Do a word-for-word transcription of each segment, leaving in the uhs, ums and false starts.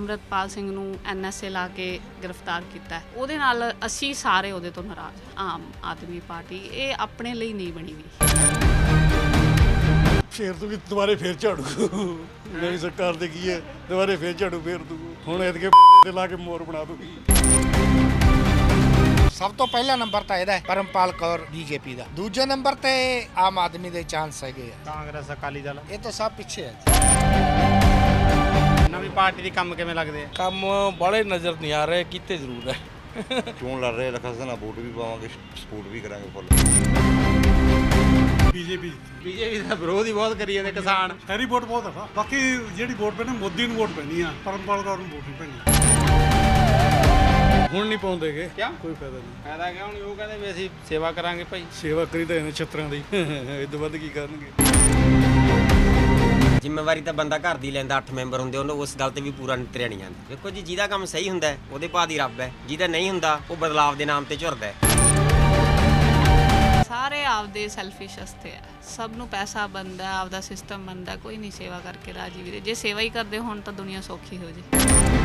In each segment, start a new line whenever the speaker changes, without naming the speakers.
ਅੰਮ੍ਰਿਤਪਾਲ ਸਿੰਘ ਨੂੰ N S A ਲਾ ਕੇ ਗ੍ਰਿਫਤਾਰ ਕੀਤਾ ਉਹਦੇ ਨਾਲ ਅਸੀਂ ਸਾਰੇ ਉਹਦੇ ਤੋਂ ਨਾਰਾਜ਼ ਹਾਂ। ਆਮ ਆਦਮੀ ਪਾਰਟੀ ਇਹ ਆਪਣੇ ਲਈ ਨਹੀਂ ਬਣੀ ਹੋਈ।
ਫੇਰ ਤੂੰ ਵੀ ਦੁਬਾਰੇ ਫੇਰ ਝਾੜੂ ਨਵੀਂ ਸਰਕਾਰ ਦੇ ਕੀ ਹੈ, ਦੁਬਾਰੇ ਫੇਰ ਝਾੜੂ ਫੇਰ ਦੂ ਹੁਣ ਇਹਦੇ ਤੇ ਲਾ ਕੇ ਮੋਰ ਬਣਾ ਦੂਗੀ।
ਸਭ ਤੋਂ ਪਹਿਲਾ ਨੰਬਰ ਤਾਂ ਇਹਦਾ ਹੈ ਪਰਮਪਾਲ ਕੌਰ ਬੀਜੇਪੀ ਦਾ, ਦੂਜੇ ਨੰਬਰ ਤੇ ਆਮ ਆਦਮੀ ਦੇ ਚਾਂਸ ਹੈਗੇ ਆ,
ਕਾਂਗਰਸ ਅਕਾਲੀ ਦਲ
ਇਹ ਤਾਂ ਸਭ ਪਿੱਛੇ ਹੈ।
ਨਵੀਂ ਪਾਰਟੀ ਦੇ ਕੰਮ ਕਿਵੇਂ ਲੱਗਦੇ ਆ?
ਕੰਮ ਬੜੇ ਨਜ਼ਰ ਨਹੀਂ ਆ ਰਹੇ, ਕੀਤੇ ਜ਼ਰੂਰ ਹੈ।
ਚੋਣ ਲੜ ਰਹੇ ਲਖਸ ਨਾਲ ਵੋਟ ਵੀ ਪਾਵਾਂਗੇ, ਸਪੋਰਟ ਵੀ ਕਰਾਂਗੇ ਫੁੱਲ।
ਬੀਜੇਪੀ
ਬੀਜੇਪੀ ਦਾ ਵਿਰੋਧ ਹੀ ਬਹੁਤ ਕਰੀ ਜਾਂਦੇ ਕਿਸਾਨ।
ਸ਼ਹਿਰੀ ਵੋਟ ਬਹੁਤ ਆ, ਬਾਕੀ ਜਿਹੜੀ ਵੋਟ ਪੈਣੀ ਮੋਦੀ ਨੂੰ ਵੋਟ ਪੈਣੀ ਆ, ਪਰਮਪਾਲ ਕੌਰ ਨੂੰ ਵੋਟ ਨਹੀਂ ਪੈਣੀ। ਹੁਣ ਨਹੀਂ ਪਾਉਂਦੇਗੇ, ਕੋਈ ਫਾਇਦਾ ਨਹੀਂ।
ਫਾਇਦਾ ਕਿਉਂ ਨਹੀਂ? ਉਹ ਕਹਿੰਦੇ ਵੀ ਅਸੀਂ ਸੇਵਾ ਕਰਾਂਗੇ ਭਾਈ।
ਸੇਵਾ ਕਰੀ ਤਾਂ ਇਹਨੇ ਛੱਤਰਾਂ ਦੀ, ਇਹ ਤੋਂ ਵੱਧ ਕੀ ਕਰਨਗੇ।
ਜ਼ਿੰਮੇਵਾਰੀ ਤਾਂ ਬੰਦਾ ਘਰ ਦੀ ਲੈਂਦਾ, ਅੱਠ ਮੈਂਬਰ ਹੁੰਦੇ ਉਹਨੂੰ ਉਸ ਗੱਲ ਤੇ ਵੀ ਪੂਰਾ ਨਿਤਰਿਆ ਨਹੀਂ ਜਾਂਦਾ। ਦੇਖੋ ਜੀ, ਜਿਹਦਾ ਕੰਮ ਸਹੀ ਹੁੰਦਾ ਹੈ ਉਹਦੇ ਭਾਅ ਦੀ ਰੱਬ ਹੈ, ਜਿਹਦਾ ਨਹੀਂ ਹੁੰਦਾ ਉਹ ਬਦਲਾਵ ਦੇ ਨਾਮ ਤੇ ਝੁਰਦਾ ਹੈ।
ਸਾਰੇ ਆਪਦੇ ਸੈਲਫਿਸ਼ ਅਸਤੇ ਆ, ਸਭ ਨੂੰ ਪੈਸਾ ਬਣਦਾ, ਆਪਦਾ ਸਿਸਟਮ ਬਣਦਾ, ਕੋਈ ਨਹੀਂ ਸੇਵਾ ਕਰਕੇ ਰਾਜੀ ਵੀਰੇ। ਜੇ ਸੇਵਾ ਹੀ ਕਰਦੇ ਹੋਣ ਤਾਂ ਦੁਨੀਆ ਸੌਖੀ ਹੋ ਜੇ।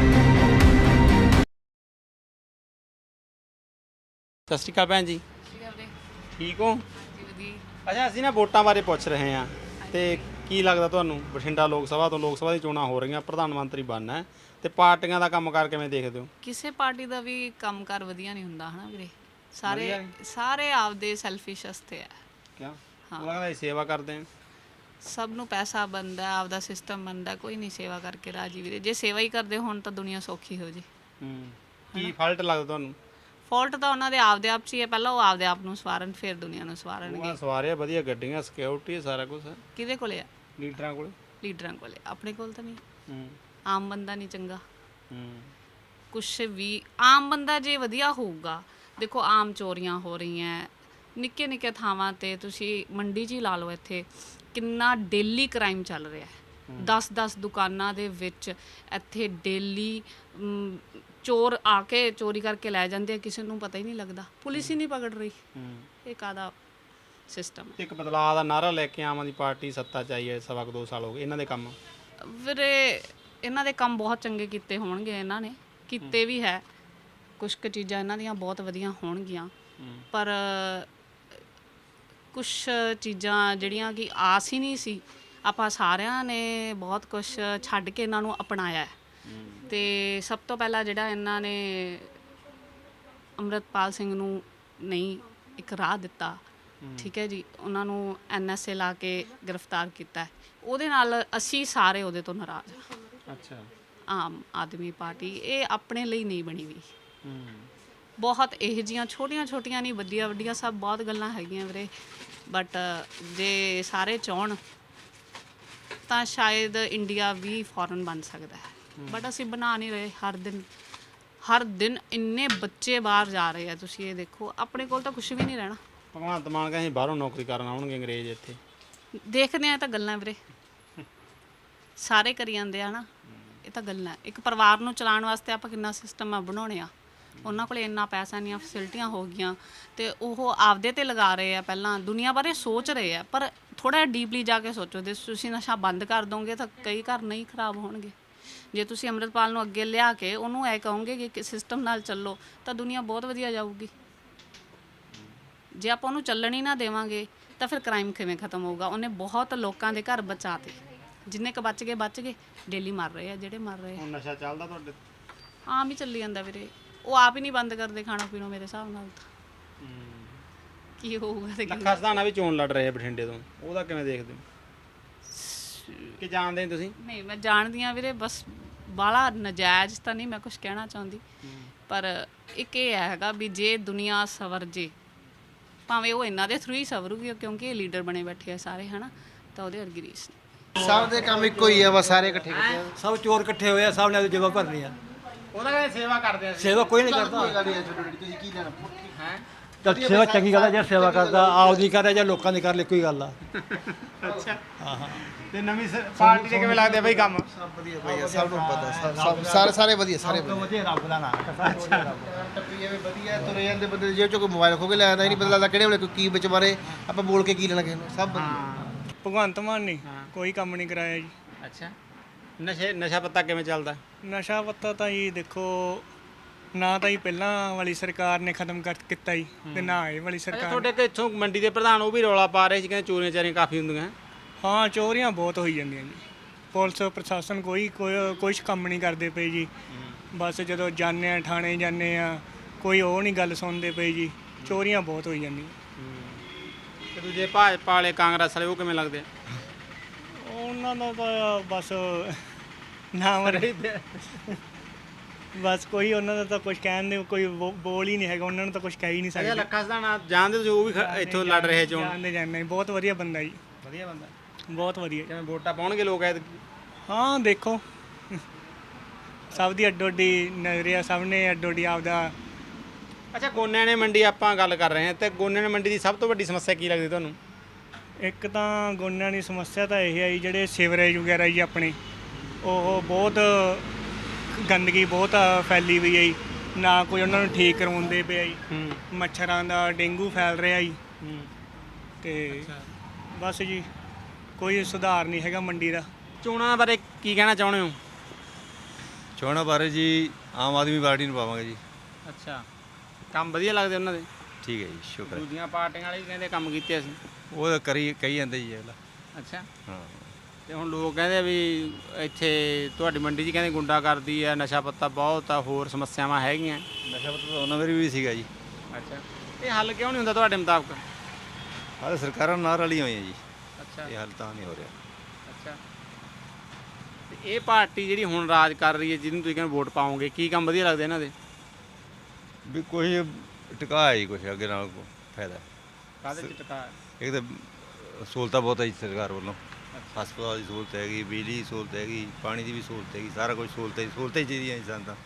ਸਤਿ ਸ਼੍ਰੀ ਅਕਾਲ ਭੈਣ ਜੀ, ਠੀਕ ਹੋ? ਅੱਛਾ, ਅਸੀਂ ਨਾ ਵੋਟਾਂ ਬਾਰੇ ਪੁੱਛ ਰਹੇ ਹਾਂ ਤੇ ਕੀ ਲੱਗਦਾ ਤੁਹਾਨੂੰ ਬਠਿੰਡਾ ਲੋਕ ਸਭਾ ਤੋਂ ਲੋਕ ਸਭਾ ਦੀ ਚੋਣਾਂ ਹੋ ਰਹੀਆਂ, ਪ੍ਰਧਾਨ ਮੰਤਰੀ ਬਣਨਾ ਹੈ ਤੇ ਪਾਰਟੀਆਂ ਦਾ ਕੰਮਕਾਰ ਕਿਵੇਂ ਦੇਖਦੇ ਹੋ?
ਕਿਸੇ ਪਾਰਟੀ ਦਾ ਵੀ ਕੰਮਕਾਰ ਵਧੀਆ ਨਹੀਂ ਹੁੰਦਾ ਹਨਾ ਵੀਰੇ। ਸਾਰੇ ਸਾਰੇ ਆਪਦੇ ਸੈਲਫਿਸ਼ ਅਸਤੇ ਆ।
ਕਿਉਂ? ਉਹ ਲੱਗਦਾ ਸੇਵਾ ਕਰਦੇ ਆ,
ਸਭ ਨੂੰ ਪੈਸਾ ਬਣਦਾ, ਆਪਦਾ ਸਿਸਟਮ ਬਣਦਾ, ਕੋਈ ਨਹੀਂ ਸੇਵਾ ਕਰਕੇ ਰਾਜੀ ਵੀਰੇ। ਜੇ ਸੇਵਾ ਹੀ ਕਰਦੇ ਹੋਣ ਤਾਂ ਦੁਨੀਆ ਸੌਖੀ ਹੋ ਜੇ।
ਹੂੰ ਕੀ ਫਾਲਟ ਲੱਗਦਾ ਤੁਹਾਨੂੰ?
ਫਾਲਟ ਤਾਂ ਉਹਨਾਂ ਦੇ ਆਪਦੇ ਆਪ 'ਚ ਹੀ ਹੈ, ਪਹਿਲਾਂ ਉਹ ਆਪਦੇ ਆਪ ਨੂੰ ਸਵਾਰਨ ਫਿਰ ਦੁਨੀਆ ਨੂੰ ਸਵਾਰਨਗੇ।
ਉਹ ਸਵਾਰਿਆ ਵਧੀਆ ਗੱਡੀਆਂ, ਸਿਕਿਉਰਿਟੀ, ਸਾਰਾ ਕੁਝ ਹੈ।
ਕਿਹਦੇ ਕੋਲੇ ਆ?
ਲੀਡਰਾਂ ਕੋਲ।
ਲੀਡਰਾਂ ਕੋਲੇ, ਆਪਣੇ ਕੋਲ ਤਾਂ ਨਹੀਂ।
ਹੂੰ
ਆਮ ਬੰਦਾ ਨਹੀਂ ਚੰਗਾ
ਹੂੰ
ਕੁਛ ਵੀ। ਆਮ ਬੰਦਾ ਜੇ ਵਧੀਆ ਹੋਊਗਾ, ਦੇਖੋ ਆਮ ਚੋਰੀਆਂ ਹੋ ਰਹੀਆਂ ਨਿੱਕੇ ਨਿੱਕੇ ਥਾਵਾਂ ਤੇ, ਤੁਸੀਂ ਮੰਡੀ 'ਚ ਹੀ ਲਾ ਲਓ, ਇੱਥੇ ਕਿੰਨਾ ਡੇਲੀ ਕ੍ਰਾਈਮ ਚੱਲ ਰਿਹਾ ਹੈ। ਦਸ ਦਸ ਦੁਕਾਨਾਂ ਦੇ ਵਿੱਚ ਇੱਥੇ ਡੇਲੀ ਚੋਰ ਆ ਕੇ ਚੋਰੀ ਕਰਕੇ ਲੈ ਜਾਂਦੇ ਆ, ਕਿਸੇ ਨੂੰ ਪਤਾ ਹੀ ਨਹੀਂ ਲੱਗਦਾ, ਪੁਲਿਸ ਹੀ ਨਹੀਂ ਪਕੜ ਰਹੀ। ਇਹ ਕਾਹਦਾ ਸਿਸਟਮ?
ਇੱਕ ਬਦਲਾਅ ਦਾ ਨਾਰਾ ਲੈ ਕੇ ਆਮ ਆਦਮੀ ਪਾਰਟੀ ਸੱਤਾ 'ਚ ਆਈ ਹੈ, ਸਵਾ ਕੁ ਦੋ ਸਾਲ ਹੋ ਗਏ। ਇਹਨਾਂ ਦੇ ਕੰਮ
ਵੀਰੇ, ਇਹਨਾਂ ਦੇ ਕੰਮ ਬਹੁਤ ਚੰਗੇ ਕੀਤੇ ਹੋਣਗੇ, ਇਹਨਾਂ ਨੇ ਕੀਤੇ ਵੀ ਹੈ। ਕੁਛ ਕੁ ਚੀਜ਼ਾਂ ਇਹਨਾਂ ਦੀਆਂ ਬਹੁਤ ਵਧੀਆ ਹੋਣਗੀਆਂ, ਪਰ ਕੁਛ ਚੀਜ਼ਾਂ ਜਿਹੜੀਆਂ ਕਿ ਆਸ ਹੀ ਨਹੀਂ ਸੀ, ਆਪਾਂ ਸਾਰਿਆਂ ਨੇ ਬਹੁਤ ਕੁਛ ਛੱਡ ਕੇ ਇਹਨਾਂ ਨੂੰ ਅਪਣਾਇਆ। ਤੇ ਸਭ ਤੋਂ ਪਹਿਲਾਂ ਜਿਹੜਾ ਇਹਨਾਂ ਨੇ ਅੰਮ੍ਰਿਤਪਾਲ ਸਿੰਘ ਨੂੰ ਨਹੀਂ ਇੱਕ ਰਾਹ ਦਿੱਤਾ, ਠੀਕ ਹੈ ਜੀ, ਉਹਨਾਂ ਨੂੰ ਐਨ ਐਸ ਏ ਲਾ ਕੇ ਗ੍ਰਿਫਤਾਰ ਕੀਤਾ ਉਹਦੇ ਨਾਲ ਅਸੀਂ ਸਾਰੇ ਉਹਦੇ ਤੋਂ ਨਾਰਾਜ਼ ਹਾਂ।
ਅੱਛਾ,
ਆਮ ਆਦਮੀ ਪਾਰਟੀ ਇਹ ਆਪਣੇ ਲਈ ਨਹੀਂ ਬਣੀ ਹੋਈ। ਬਹੁਤ ਇਹੋ ਜਿਹੀਆਂ ਛੋਟੀਆਂ ਛੋਟੀਆਂ ਨਹੀਂ, ਵੱਡੀਆਂ ਵੱਡੀਆਂ ਸਭ ਬਹੁਤ ਗੱਲਾਂ ਹੈਗੀਆਂ ਵੀਰੇ, ਬਟ ਜੇ ਸਾਰੇ ਚਾਹਣ ਤਾਂ ਸ਼ਾਇਦ ਇੰਡੀਆ ਵੀ ਫੋਰਨ ਬਣ ਸਕਦਾ ਹੈ, ਬਟ ਅਸੀਂ ਬਣਾ ਨਹੀਂ ਰਹੇ। ਹਰ ਦਿਨ ਹਰ ਦਿਨ ਇੰਨੇ ਬੱਚੇ ਬਾਹਰ ਜਾ ਰਹੇ ਆ, ਤੁਸੀਂ ਇਹ ਦੇਖੋ, ਆਪਣੇ ਕੋਲ ਤਾਂ ਕੁਛ ਵੀ ਨਹੀਂ ਰਹਿਣਾ।
ਭਗਵੰਤ ਮਾਨ ਕਹਿੰਦੇ ਬਾਹਰੋਂ ਨੌਕਰੀ ਕਰਨ ਆਉਣਗੇ ਅੰਗਰੇਜ਼, ਇੱਥੇ
ਦੇਖਦੇ ਆ। ਇਹ ਤਾਂ ਗੱਲਾਂ ਵੀਰੇ ਸਾਰੇ ਕਰੀ ਜਾਂਦੇ ਆ ਨਾ, ਇਹ ਤਾਂ ਗੱਲਾਂ। ਇੱਕ ਪਰਿਵਾਰ ਨੂੰ ਚਲਾਉਣ ਵਾਸਤੇ ਆਪਾਂ ਕਿੰਨਾ ਸਿਸਟਮ ਆ ਬਣਾਉਣੇ ਆ, ਉਹਨਾਂ ਕੋਲ ਇੰਨਾ ਪੈਸਾ, ਇੰਨੀਆਂ ਫੈਸਿਲਿਟੀਆਂ ਹੋ ਗਈਆਂ ਤੇ ਉਹ ਆਪਦੇ ਤੇ ਲਗਾ ਰਹੇ ਆ। ਪਹਿਲਾਂ ਦੁਨੀਆ ਬਾਰੇ ਸੋਚ ਰਹੇ ਆ, ਪਰ ਥੋੜ੍ਹਾ ਡੀਪਲੀ ਜਾ ਕੇ ਸੋਚੋ। ਜੇ ਤੁਸੀਂ ਨਸ਼ਾ ਬੰਦ ਕਰ ਦੋਗੇ ਤਾਂ ਕਈ ਘਰ ਨਹੀਂ ਖਰਾਬ ਹੋਣਗੇ। ਜੇ ਤੁਸੀਂ ਅੰਮ੍ਰਿਤਪਾਲ ਨੂੰ ਅੱਗੇ ਲਿਆ ਕੇ ਉਹਨੂੰ ਇਹ ਕਹੋਗੇ ਕਿ ਸਿਸਟਮ ਨਾਲ ਚੱਲੋ ਤਾਂ ਦੁਨੀਆ ਬਹੁਤ ਵਧੀਆ ਜਾਊਗੀ। ਜੇ ਆਪਾਂ ਉਹਨੂੰ ਚੱਲਣ ਹੀ ਨਾ ਦੇਵਾਂਗੇ ਤਾਂ ਫਿਰ ਕ੍ਰਾਈਮ ਕਿਵੇਂ ਖਤਮ ਹੋਊਗਾ? ਉਹਨੇ ਬਹੁਤ ਲੋਕਾਂ ਦੇ ਘਰ ਬਚਾਤੇ, ਜਿੰਨੇ ਕੁ ਬਚ ਗਏ ਬਚ ਗਏ, ਡੇਲੀ ਮਰ ਰਹੇ ਆ ਜਿਹੜੇ ਮਰ ਰਹੇ ਆ।
ਹੁਣ ਨਸ਼ਾ ਚੱਲਦਾ ਤੁਹਾਡੇ?
ਆਮ ਹੀ ਚੱਲੀ ਜਾਂਦਾ ਵੀਰੇ, ਉਹ ਆਪ ਹੀ ਨਹੀਂ ਬੰਦ ਕਰਦੇ ਖਾਣਾ ਪੀਣਾ। ਮੇਰੇ ਹਿਸਾਬ ਨਾਲ ਤਾਂ ਕੀ ਹੋਊਗਾ?
ਲੱਖਾ ਸਧਾਣਾ ਵੀ ਚੋਣ ਲੜ ਰਹੇ ਆ ਬਠਿੰਡੇ ਤੋਂ, ਉਹਦਾ ਕਿਵੇਂ ਦੇਖਦੇ ਹੋ? ਕਿ ਜਾਣਦੇ ਤੁਸੀਂ?
ਨਹੀਂ, ਮੈਂ ਜਾਣਦੀ ਹਾਂ ਵੀਰੇ, ਬਸ ਬਾਹਲਾ ਨਜਾਇਜ਼ ਤਾਂ ਨਹੀਂ ਮੈਂ ਕੁਝ ਕਹਿਣਾ ਚਾਹੁੰਦੀ, ਪਰ ਇੱਕ ਇਹ ਹੈਗਾ ਵੀ ਜੇ ਦੁਨੀਆ ਸਵਰ ਜੇ, ਭਾਵੇਂ ਉਹ ਇਹਨਾਂ ਦੇ ਥਰੂ ਹੀ ਸਵਰੂਗੀ ਕਿਉਂਕਿ ਇਹ ਲੀਡਰ ਬਣੇ ਬੈਠੇ ਆ ਸਾਰੇ, ਹੈ ਨਾ, ਤਾਂ ਉਹਦੇ ਵਰਗੀ ਰੀਸ ਨਹੀਂ।
ਸਭ ਦੇ ਕੰਮ ਇੱਕੋ ਹੀ ਆ, ਬਸ ਸਾਰੇ ਇਕੱਠੇ ਇਕੱਠੇ ਆ।
ਸਭ ਚੋਰ ਇਕੱਠੇ ਹੋਏ ਆ, ਸਭ ਨੇ ਜਗ੍ਹਾ ਭਰਨੀ ਆ।
ਉਹਦਾ ਕਹਿੰਦੇ ਸੇਵਾ ਕਰਦੇ ਆ।
ਸੇਵਾ ਕੋਈ ਨਹੀਂ ਕਰਦਾ।
ਤੁਸੀਂ ਕੀ ਲੈਣਾ ਹੈ?
ਤਾਂ ਸੇਵਾ ਚੰਗੀ ਗੱਲ ਹੈ, ਜੇ ਸੇਵਾ ਕਰਦਾ ਆਪਦੀ ਕਰੇ ਜਾਂ ਲੋਕਾਂ ਦੀ ਕਰ ਲੈ, ਕੋਈ ਗੱਲ ਆ।
ਅੱਛਾ, ਹਾਂ ਹਾਂ। ਤੇ ਨਵੀਂ ਪਾਰਟੀ ਦੇ ਕਿਵੇਂ ਲੱਗਦੇ ਬਈ ਕੰਮ?
ਸਭ ਵਧੀਆ ਵਧੀਆ, ਸਭ ਨੂੰ ਪਤਾ, ਸਭ ਸਾਰੇ ਸਾਰੇ ਵਧੀਆ, ਸਾਰੇ
ਵਧੀਆ। ਰੱਬ ਦਾ ਨਾਮ
ਟੱਪੀ ਐਵੇਂ ਵਧੀਆ ਤੁਰੇ ਜਾਂਦੇ ਬੰਦੇ, ਜੇ ਚੋਂ ਕੋਈ ਮੋਬਾਈਲ ਖੋ ਕੇ ਲੈ ਆਉਂਦਾ ਹੀ ਨਹੀਂ ਪਤਾ ਲੱਗਦਾ ਕਿਹੜੇ ਵੇਲੇ ਕੋਈ ਕੀ ਵਿੱਚ ਮਾਰੇ, ਆਪਾਂ ਬੋਲ ਕੇ ਕੀ ਲੈਣਾ ਕਿਸੇ ਨੂੰ। ਸਭ ਵਧੀਆ।
ਭਗਵੰਤ ਮਾਨ ਨੇ ਕੋਈ ਕੰਮ ਨਹੀਂ ਕਰਾਇਆ ਜੀ।
ਅੱਛਾ, ਨਸ਼ੇ ਨਸ਼ਾ ਪੱਤਾ ਕਿਵੇਂ ਚੱਲਦਾ?
ਨਸ਼ਾ ਪੱਤਾ ਤਾਂ ਜੀ ਦੇਖੋ ਨਾ ਤਾਂ ਹੀ ਪਹਿਲਾਂ ਵਾਲੀ ਸਰਕਾਰ ਨੇ ਖਤਮ ਕਰ ਕੀਤਾ ਜੀ ਤੇ ਨਾ ਇਹ ਵਾਲੀ
ਅੱਛਾ,
ਸਰਕਾਰ
ਤੁਹਾਡੇ ਕਿ ਇੱਥੋਂ ਮੰਡੀ ਦੇ ਪ੍ਰਧਾਨ ਉਹ ਵੀ ਰੌਲਾ ਪਾ ਰਹੇ ਸੀ, ਕਹਿੰਦੇ ਚੋਰੀਆਂ ਚਾਰੀਆਂ ਕਾਫੀ ਹੁੰਦੀਆਂ।
ਹਾਂ ਚੋਰੀਆਂ ਬਹੁਤ ਹੋਈ ਜਾਂਦੀਆਂ ਜੀ। ਪੁਲਿਸ ਪ੍ਰਸ਼ਾਸਨ ਕੋਈ ਕੋਈ ਕੁਛ ਕੰਮ ਨਹੀਂ ਕਰਦੇ ਪਏ ਜੀ। ਬਸ ਜਦੋਂ ਜਾਂਦੇ ਆ ਥਾਣੇ ਜਾਂਦੇ ਆ ਕੋਈ ਉਹ ਨਹੀਂ ਗੱਲ ਸੁਣਦੇ ਪਏ ਜੀ। ਚੋਰੀਆਂ ਬਹੁਤ ਹੋਈ ਜਾਂਦੀਆਂ।
ਤੇ ਦੂਜੇ ਭਾਜਪਾ ਵਾਲੇ ਕਾਂਗਰਸ ਵਾਲੇ ਉਹ ਕਿਵੇਂ ਲੱਗਦੇ ਆ?
ਉਹਨਾਂ ਦਾ ਤਾਂ ਬਸ ਨਾਮ ਰਹੀ ਬਸ ਕੋਈ ਉਹਨਾਂ ਦਾ ਤਾਂ ਕੁਝ ਕਹਿਣ ਦੇ ਕੋਈ ਬੋ- ਬੋਲ ਹੀ ਨਹੀਂ ਹੈਗਾ। ਉਹਨਾਂ ਨੂੰ ਤਾਂ ਕੁਝ ਕਹਿ ਹੀ ਨਹੀਂ
ਅੱਛਾ,
ਸਕਦੇ।
ਲੱਖਾ ਸਦਾਣਾ ਜਾਣਦੇ ਤੁਸੀਂ? ਉਹ ਵੀ ਖ- ਇੱਥੋਂ ਲੜ ਰਹੇ ਚੋਣ।
ਜਾਣਦੇ ਜਾਣਦੇ ਬਹੁਤ ਵਧੀਆ ਬੰਦਾ ਜੀ।
ਵਧੀਆ ਬੰਦਾ।
ਬਹੁਤ ਵਧੀਆ।
ਕਿਵੇਂ ਵੋਟਾਂ ਪਾਉਣਗੇ ਲੋਕ ਐਤਕੀ?
ਹਾਂ ਦੇਖੋ ਸਭ ਦੀ ਅੱਡੋ ਅੱਡੀ ਨਜ਼ਰੀਆ, ਸਭ ਨੇ ਅੱਡੋ ਅੱਡੀ ਆਪਦਾ।
ਅੱਛਾ, ਗੋਨਿਆਣੇ ਮੰਡੀ ਆਪਾਂ ਗੱਲ ਕਰ ਰਹੇ ਹਾਂ ਤੇ ਗੋਨਿਆਣੇ ਮੰਡੀ ਦੀ ਸਭ ਤੋਂ ਵੱਡੀ ਸਮੱਸਿਆ ਕੀ ਲੱਗਦੀ ਤੁਹਾਨੂੰ?
ਇੱਕ ਤਾਂ ਗੋਨਿਆਂ ਦੀ ਸਮੱਸਿਆ ਤਾਂ ਇਹ ਹੈ ਜੀ ਜਿਹੜੇ ਸੀਵਰੇਜ ਵਗੈਰਾ ਜੀ ਆਪਣੇ ਉਹ ਬਹੁਤ ਗੰਦਗੀ ਬਹੁਤ ਆ ਫੈਲੀ ਹੋਈ ਹੈ ਜੀ। ਨਾ ਕੋਈ ਉਹਨਾਂ ਨੂੰ ਠੀਕ ਕਰਵਾਉਂਦੇ ਪਏ ਜੀ।
ਹੂੰ
ਮੱਛਰਾਂ ਦਾ ਡੇਂਗੂ ਫੈਲ ਰਿਹਾ ਜੀ।
ਹੂੰ
ਤੇ ਬਸ ਜੀ ਕੋਈ ਸੁਧਾਰ ਨਹੀਂ ਹੈਗਾ ਮੰਡੀ ਦਾ।
ਚੋਣਾਂ ਬਾਰੇ ਕੀ ਕਹਿਣਾ ਚਾਹੁੰਦੇ ਹੋ?
ਚੋਣਾਂ ਬਾਰੇ ਜੀ ਆਮ ਆਦਮੀ ਪਾਰਟੀ ਨੂੰ ਪਾਵਾਂਗੇ ਜੀ।
ਅੱਛਾ, ਕੰਮ ਵਧੀਆ ਲੱਗਦੇ ਉਹਨਾਂ ਦੇ?
ਠੀਕ ਹੈ ਜੀ, ਸ਼ੁਕਰ ਹੈ।
ਦੂਜੀਆਂ ਪਾਰਟੀਆਂ ਵਾਲੇ ਵੀ ਕਹਿੰਦੇ ਕੰਮ ਕੀਤੇ ਅਸੀਂ।
ਉਹ ਤਾਂ ਕਰੀ ਕਹੀ ਜਾਂਦੇ ਜੀ ਅਗਲਾ।
ਅੱਛਾ,
ਹਾਂ
ਤੇ ਹੁਣ ਲੋਕ ਕਹਿੰਦੇ ਆ ਵੀ ਇੱਥੇ ਤੁਹਾਡੀ ਮੰਡੀ 'ਚ ਕਹਿੰਦੇ ਗੁੰਡਾਗਰਦੀ ਆ, ਨਸ਼ਾ ਪੱਤਾ ਬਹੁਤ ਆ, ਹੋਰ ਸਮੱਸਿਆਵਾਂ ਹੈਗੀਆਂ।
ਨਸ਼ਾ ਪੱਤਾ ਤਾਂ ਉਹਨਾਂ ਵੇਲੇ ਵੀ ਸੀਗਾ ਜੀ।
ਅੱਛਾ, ਇਹ ਹੱਲ ਕਿਉਂ ਨਹੀਂ ਹੁੰਦਾ ਤੁਹਾਡੇ ਮੁਤਾਬਕ?
ਆਹ ਸਰਕਾਰਾਂ ਨਾਲ ਰਲੀਆਂ ਹੋਈਆਂ ਜੀ।
ਅੱਛਾ
ਇਹ ਹੱਲ ਤਾਂ ਨਹੀਂ ਹੋ ਰਿਹਾ।
ਅੱਛਾ, ਤੇ ਇਹ ਪਾਰਟੀ ਜਿਹੜੀ ਹੁਣ ਰਾਜ ਕਰ ਰਹੀ ਹੈ, ਜਿਹਨੂੰ ਤੁਸੀਂ ਕਹਿੰਦੇ ਵੋਟ ਪਾਓਗੇ, ਕੀ ਕੰਮ ਵਧੀਆ ਲੱਗਦੇ ਇਹਨਾਂ ਦੇ?
ਵੀ ਕੋਈ ਟਿਕਾ ਹੈ ਜੀ, ਕੁਛ ਅੱਗੇ ਨਾਲ ਕੋ ਫਾਇਦਾ।
ਕਾਹਦੇ 'ਚ ਟਕਾ?
ਇੱਕ ਤਾਂ ਸਹੂਲਤਾਂ ਬਹੁਤ ਹੈ ਜੀ ਸਰਕਾਰ ਵੱਲੋਂ। ਹਸਪਤਾਲ ਦੀ ਸਹੂਲਤ ਹੈਗੀ, ਬਿਜਲੀ ਦੀ ਸਹੂਲਤ ਹੈਗੀ, ਪਾਣੀ ਦੀ ਵੀ ਸਹੂਲਤ ਹੈਗੀ, ਸਾਰਾ ਕੁਝ ਸਹੂਲਤ ਹੈ। ਸਹੂਲਤਾਂ ਹੀ ਚਾਹੀਦੀਆਂ ਇਨਸਾਨ ਤਾਂ।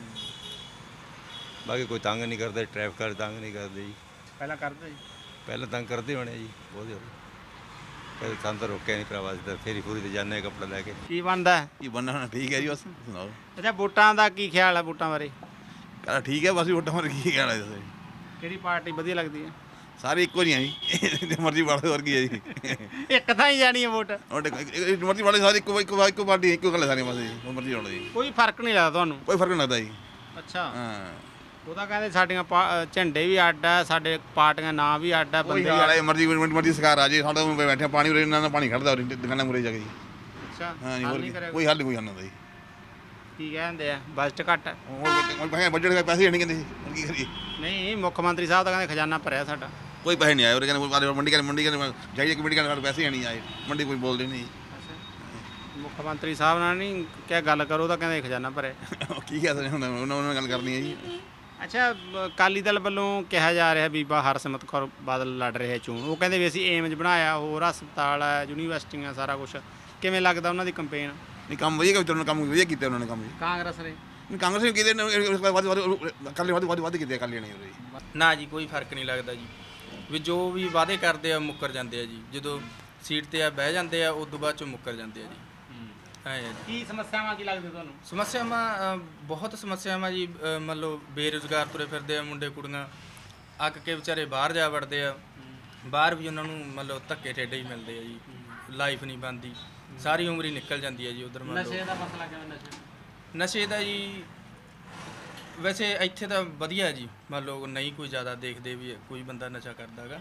ਬਾਕੀ ਕੋਈ ਤੰਗ ਨਹੀਂ ਕਰਦਾ, ਟ੍ਰੈਫਿਕ ਵਾਲੇ ਤੰਗ ਨਹੀਂ ਕਰਦੇ ਜੀ।
ਪਹਿਲਾਂ ਕਰਦੇ ਜੀ?
ਪਹਿਲਾਂ ਤੰਗ ਕਰਦੇ ਹੋਣੇ ਜੀ ਬਹੁਤ ਜ਼ਿਆਦਾ। ਕਦੇ ਸਾਨੂੰ ਤਾਂ ਰੋਕਿਆ ਨਹੀਂ ਭਰਾਵਾ, ਅਸੀਂ ਤਾਂ ਫੇਰੀ ਫੂਰੀ ਤੇ ਜਾਂਦੇ ਹਾਂ ਕੱਪੜਾ ਲੈ ਕੇ।
ਕੀ ਬਣਦਾ ਹੈ?
ਕੀ ਬੰਨਾ ਹੋਣਾ ਠੀਕ ਹੈ ਜੀ, ਬਸ ਸੁਣਾਓ।
ਅੱਛਾ, ਵੋਟਾਂ ਦਾ ਕੀ ਖਿਆਲ ਹੈ? ਵੋਟਾਂ ਬਾਰੇ
ਕਹਿੰਦਾ ਠੀਕ ਹੈ, ਬਸ ਵੋਟਾਂ ਮਾਰ ਕੀ ਕਹਿਣਾ ਦੱਸੋ।
ਕਿਹੜੀ ਪਾਰਟੀ ਵਧੀਆ ਲੱਗਦੀ ਹੈ?
ਸਾਰੇ ਇੱਕੋ ਜਿਹੀਆਂ ਜੀ, ਜੇ ਮਰਜ਼ੀ ਵਾਲੇ ਵਰਗੀ ਹੈ ਜੀ।
ਇੱਕ ਤਾਂ ਹੀ ਜਾਣੀ ਹੈ ਵੋਟ।
ਉਹਦੇ ਮਰਜ਼ੀ ਵਾਲੇ ਸਾਰੇ ਇੱਕੋ ਇੱਕੋ ਇੱਕੋ ਪਾਰਟੀ ਇੱਕੋ ਗੱਲ ਸਾਰੀਆਂ ਬਸ ਜੀ, ਉਹ ਮਰਜ਼ੀ ਹੋਣਾ ਜੀ,
ਕੋਈ ਫਰਕ ਨਹੀਂ ਲੱਗਦਾ ਤੁਹਾਨੂੰ?
ਕੋਈ ਫਰਕ ਨਹੀਂ ਲੱਗਦਾ ਜੀ।
ਅੱਛਾ,
ਹਾਂ
ਉਹ ਤਾਂ ਕਹਿੰਦੇ ਸਾਡੀਆਂ ਪਾ- ਝੰਡੇ ਵੀ ਅੱਡ ਆ, ਸਾਡੇ ਪਾਰਟੀਆਂ ਨਾਂ ਵੀ ਅੱਡ ਆ,
ਕੋਈ
ਬੰਦੇ ਵੀ
ਹਾਲ
ਅੱਡ
ਹੈ, ਮਰਜ਼ੀ ਮਰਜ਼ੀ ਸਰਕਾਰ ਆ ਜੇ, ਸਾਡਾ ਉਰੇ ਬੈਠੇ ਪਾਣੀ ਉਰੇ ਇਹਨਾਂ ਦਾ ਪਾਣੀ ਖੜਦਾ ਉਰੇ ਦੁਕਾਨਾਂ ਮੁਰੇ ਜਾ ਕੇ ਜੀ।
ਅੱਛਾ,
ਹਾਂ ਜੀ,
ਹੱਲ
ਹੋਰ
ਨਹੀਂ
ਕੀ,
ਕਰਿਆ?
ਕੋਈ ਹੱਲ ਨਹੀਂ ਕੋਈ ਹੱਲ ਨਹੀਂ ਜੀ।
ਕੀ ਕਹਿੰਦੇ ਆ ਬਜਟ ਘੱਟ ਹੈ?
ਹੁਣ ਭਾਵੇਂ ਬਜਟ ਦੇ ਪੈਸੇ ਨਹੀਂ ਕਹਿੰਦੇ ਜੀ, ਹੁਣ ਕੀ ਕਰੀਏ।
ਨਹੀਂ, ਮੁੱਖ ਮੰਤਰੀ ਸਾਹਿਬ ਤਾਂ ਕਹਿੰਦੇ ਖਜ਼ਾਨਾ ਭਰਿਆ ਸਾਡਾ।
ਕੋਈ ਪੈਸੇ ਨਹੀਂ ਆਏ ਉਰੇ, ਕਹਿੰਦੇ ਮੰਡੀ ਕਹਿੰਦੇ ਮੰਡੀ ਕਹਿੰਦੇ ਜਾਈਏ ਕਮੇਟੀ ਕਹਿੰਦੇ ਪੈਸੇ ਨਹੀਂ ਆਏ, ਮੰਡੀ ਕੋਈ ਬੋਲਦੇ ਨਹੀਂ।
ਮੁੱਖ ਮੰਤਰੀ ਸਾਹਿਬ ਨਾਲ ਨਹੀਂ ਕਿਹਾ ਗੱਲ ਕਰੋ ਤਾਂ ਕਹਿੰਦੇ ਖਜ਼ਾਨਾ ਭਰਿਆ।
ਕੀ ਕਹਿ ਸਕਦੇ ਹੁਣ, ਉਹਨਾਂ ਨਾਲ ਗੱਲ ਕਰਨੀ ਹੈ ਜੀ।
ਅੱਛਾ, ਅਕਾਲੀ ਦਲ ਵੱਲੋਂ ਕਿਹਾ ਜਾ ਰਿਹਾ ਬੀਬਾ ਹਰਸਿਮਰਤ ਕੌਰ ਬਾਦਲ ਲੜ ਰਹੇ ਚੋਣ। ਉਹ ਕਹਿੰਦੇ ਵੀ ਅਸੀਂ ਏਮਜ ਬਣਾਇਆ, ਹੋਰ ਹਸਪਤਾਲ ਹੈ, ਯੂਨੀਵਰਸਿਟੀਆਂ, ਸਾਰਾ ਕੁਝ। ਕਿਵੇਂ ਲੱਗਦਾ ਉਹਨਾਂ ਦੀ ਕੰਪੇਨ?
ਨਹੀਂ ਕੰਮ ਵਧੀਆ ਕੀਤਾ, ਉਹਨਾਂ ਨੇ ਕੰਮ ਵਧੀਆ ਕੀਤਾ ਉਹਨਾਂ ਨੇ ਕੰਮ ਜੀ।
ਕਾਂਗਰਸ ਨੇ?
ਨਹੀਂ ਕਾਂਗਰਸ ਨੇ ਕਿਤੇ ਵੱਧ ਵੱਧ ਕੱਲੇ ਵੱਧ ਵੱਧ ਵੱਧ ਕੀਤੇ ਕੱਲੇ ਨਹੀਂ ਉਰੇ ਜੀ।
ਨਾ ਜੀ, ਕੋਈ ਫਰਕ ਨਹੀਂ ਲੱਗਦਾ ਜੀ। ਵੀ ਜੋ ਵੀ ਵਾਅਦੇ ਕਰਦੇ ਆ ਮੁੱਕਰ ਜਾਂਦੇ ਆ ਜੀ। ਜਦੋਂ ਸੀਟ ਤੇ ਆ ਬਹਿ ਜਾਂਦੇ ਆ, ਉਸ ਤੋਂ ਬਾਅਦ ਚੋਂ ਮੁੱਕਰ ਜਾਂਦੇ ਆ ਜੀ। ਐਂ ਆ ਜੀ।
ਕੀ ਸਮੱਸਿਆਵਾਂ ਕੀ ਲੱਗਦੀਆਂ ਤੁਹਾਨੂੰ?
ਸਮੱਸਿਆਵਾਂ ਅ, ਬਹੁਤ ਸਮੱਸਿਆਵਾਂ ਜੀ। ਅ, ਮੰਨ ਲਓ ਬੇਰੁਜ਼ਗਾਰ ਤੁਰੇ ਫਿਰਦੇ ਆ ਮੁੰਡੇ ਕੁੜੀਆਂ, ਅੱਕ ਕੇ ਵਿਚਾਰੇ ਬਾਹਰ ਜਾ ਵੜਦੇ ਆ। ਬਾਹਰ ਵੀ ਉਹਨਾਂ ਨੂੰ ਮੰਨ ਲਓ ਧੱਕੇ ਠੇਡੇ ਹੀ ਮਿਲਦੇ ਆ ਜੀ। ਲਾਈਫ ਨਹੀਂ ਬਣਦੀ, ਸਾਰੀ ਉਮਰ ਹੀ ਨਿਕਲ ਜਾਂਦੀ ਹੈ ਜੀ ਉਧਰ। ਮੰਨ
ਨਸ਼ੇ
ਲਓ
ਦਾ ਮਸਲਾ ਕਿਵੇਂ? ਨਸ਼ੇ
ਨਸ਼ੇ ਦਾ ਜੀ ਵੈਸੇ ਇੱਥੇ ਤਾਂ ਵਧੀਆ ਜੀ। ਮੰਨ ਲਓ ਨਹੀਂ ਕੋਈ ਜ਼ਿਆਦਾ ਦੇਖਦੇ ਵੀ ਕੋਈ ਬੰਦਾ ਨਸ਼ਾ ਕਰਦਾ ਹੈਗਾ,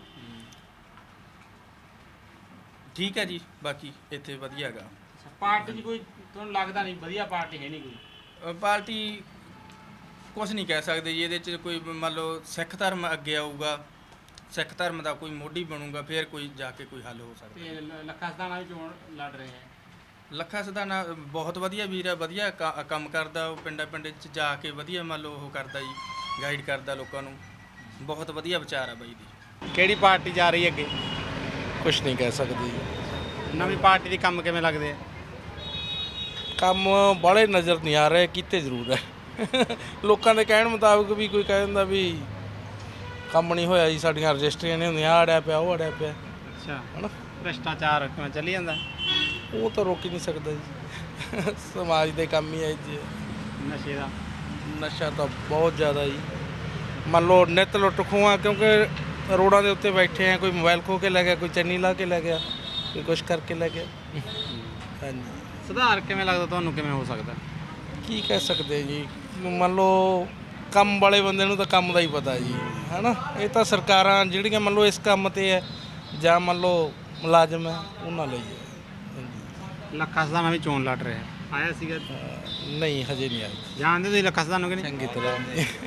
ਠੀਕ ਹੈ ਜੀ। ਬਾਕੀ ਇੱਥੇ ਵਧੀਆ ਹੈਗਾ।
ਪਾਰਟੀ 'ਚ ਕੋਈ ਤੁਹਾਨੂੰ ਲੱਗਦਾ ਨਹੀਂ ਵਧੀਆ ਪਾਰਟੀ ਹੈ ਨਹੀਂ ਕੋਈ?
ਅ, ਪਾਰਟੀ ਕੁਛ ਨਹੀਂ ਕਹਿ ਸਕਦੇ ਜੀ ਇਹਦੇ 'ਚ। ਕੋਈ ਮੰਨ ਲਓ ਸਿੱਖ ਧਰਮ ਅੱਗੇ ਆਊਗਾ, ਸਿੱਖ ਧਰਮ ਦਾ ਕੋਈ ਮੋਢੀ ਬਣੂਗਾ, ਫਿਰ ਕੋਈ ਜਾ ਕੇ ਕੋਈ ਹੱਲ ਹੋ ਸਕਦਾ।
ਤੇ ਲ- ਲੱਖਾ ਸਦਾਣਾ ਵੀ ਚੋਣ ਲੜ ਰਹੇ ਹੈ।
ਲੱਖਾ ਸਦਾਨਾ ਬਹੁਤ ਵਧੀਆ ਵੀਰ ਆ, ਵਧੀਆ ਕ- ਕੰਮ ਕਰਦਾ। ਉਹ ਪਿੰਡਾਂ ਪਿੰਡ 'ਚ ਜਾ ਕੇ ਵਧੀਆ ਮੰਨ ਲਓ ਉਹ ਕਰਦਾ ਜੀ, ਗਾਈਡ ਕਰਦਾ ਲੋਕਾਂ ਨੂੰ। ਬਹੁਤ ਵਧੀਆ ਵਿਚਾਰ ਆ ਬਾਈ ਦੀ।
ਕਿਹੜੀ ਪਾਰਟੀ ਜਾ ਰਹੀ ਹੈ ਅੱਗੇ?
ਕੁਛ ਨਹੀਂ ਕਹਿ ਸਕਦੀ।
ਨਵੀਂ ਪਾਰਟੀ ਦੇ ਕੰਮ ਕਿਵੇਂ ਲੱਗਦੇ ਆ?
ਕੰਮ ਬਾਹਲੇ ਨਜ਼ਰ ਨਹੀਂ ਆ ਰਹੇ, ਕੀਤੇ ਜ਼ਰੂਰ ਹੈ। ਲੋਕਾਂ ਦੇ ਕਹਿਣ ਮੁਤਾਬਕ ਵੀ ਕੋਈ ਕਹਿ ਦਿੰਦਾ ਵੀ ਕੰਮ ਨਹੀਂ ਹੋਇਆ ਜੀ, ਸਾਡੀਆਂ ਰਜਿਸਟਰੀਆਂ ਨਹੀਂ ਹੁੰਦੀਆਂ, ਆਹ ਅੜਿਆ ਪਿਆ ਉਹ ਅੜਿਆ ਪਿਆ।
ਅੱਛਾ,
ਹਨਾ,
ਭ੍ਰਿਸ਼ਟਾਚਾਰ ਕਿਵੇਂ ਚੱਲੀ ਜਾਂਦਾ?
ਉਹ ਤਾਂ ਰੋਕ ਹੀ ਨਹੀਂ ਸਕਦਾ ਜੀ। ਸਮਾਜ ਦੇ ਕੰਮ ਹੀ ਹੈ ਜੀ।
ਨਸ਼ੇ ਦਾ
ਨਸ਼ਾ ਤਾਂ ਬਹੁਤ ਜ਼ਿਆਦਾ ਜੀ। ਮੰਨ ਲਓ ਨਿੱਤ ਲੁੱਟ ਖੋਹਾਂ, ਕਿਉਂਕਿ ਰੋਡਾਂ ਦੇ ਉੱਤੇ ਬੈਠੇ ਆ, ਕੋਈ ਮੋਬਾਈਲ ਖੋ ਕੇ ਲੈ ਗਿਆ, ਕੋਈ ਚੰਨੀ ਲਾ ਕੇ ਲੈ ਗਿਆ, ਕੋਈ ਕੁਛ ਕਰਕੇ ਲੈ ਗਿਆ। ਹਾਂਜੀ,
ਸੁਧਾਰ ਕਿਵੇਂ ਲੱਗਦਾ ਤੁਹਾਨੂੰ, ਕਿਵੇਂ ਹੋ ਸਕਦਾ?
ਕੀ ਕਹਿ ਸਕਦੇ ਜੀ, ਮੰਨ ਲਓ ਕੰਮ ਵਾਲੇ ਬੰਦੇ ਨੂੰ ਤਾਂ ਕੰਮ ਦਾ ਹੀ ਪਤਾ ਜੀ, ਹੈਨਾ। ਇਹ ਤਾਂ ਸਰਕਾਰਾਂ ਜਿਹੜੀਆਂ ਮੰਨ ਲਓ ਇਸ ਕੰਮ ਤੇ ਹੈ ਜਾਂ ਮੰਨ ਲਓ ਮੁਲਾਜ਼ਮ ਹੈ ਉਹਨਾਂ ਲਈ ਹੈ। ਹਾਂਜੀ।
ਲੱਖਾ ਸਦਾਨਾ ਵੀ ਚੋਣ ਲੜ ਰਿਹਾ, ਆਇਆ ਸੀਗਾ?
ਨਹੀਂ ਹਜੇ ਨਹੀਂ ਆਈ।
ਜਾਣਦੇ ਤੁਸੀਂ ਲੱਖਾ ਸਦਾਨਾ ਕਿ ਨਹੀਂ?
ਚੰਗੀ ਤਰ੍ਹਾਂ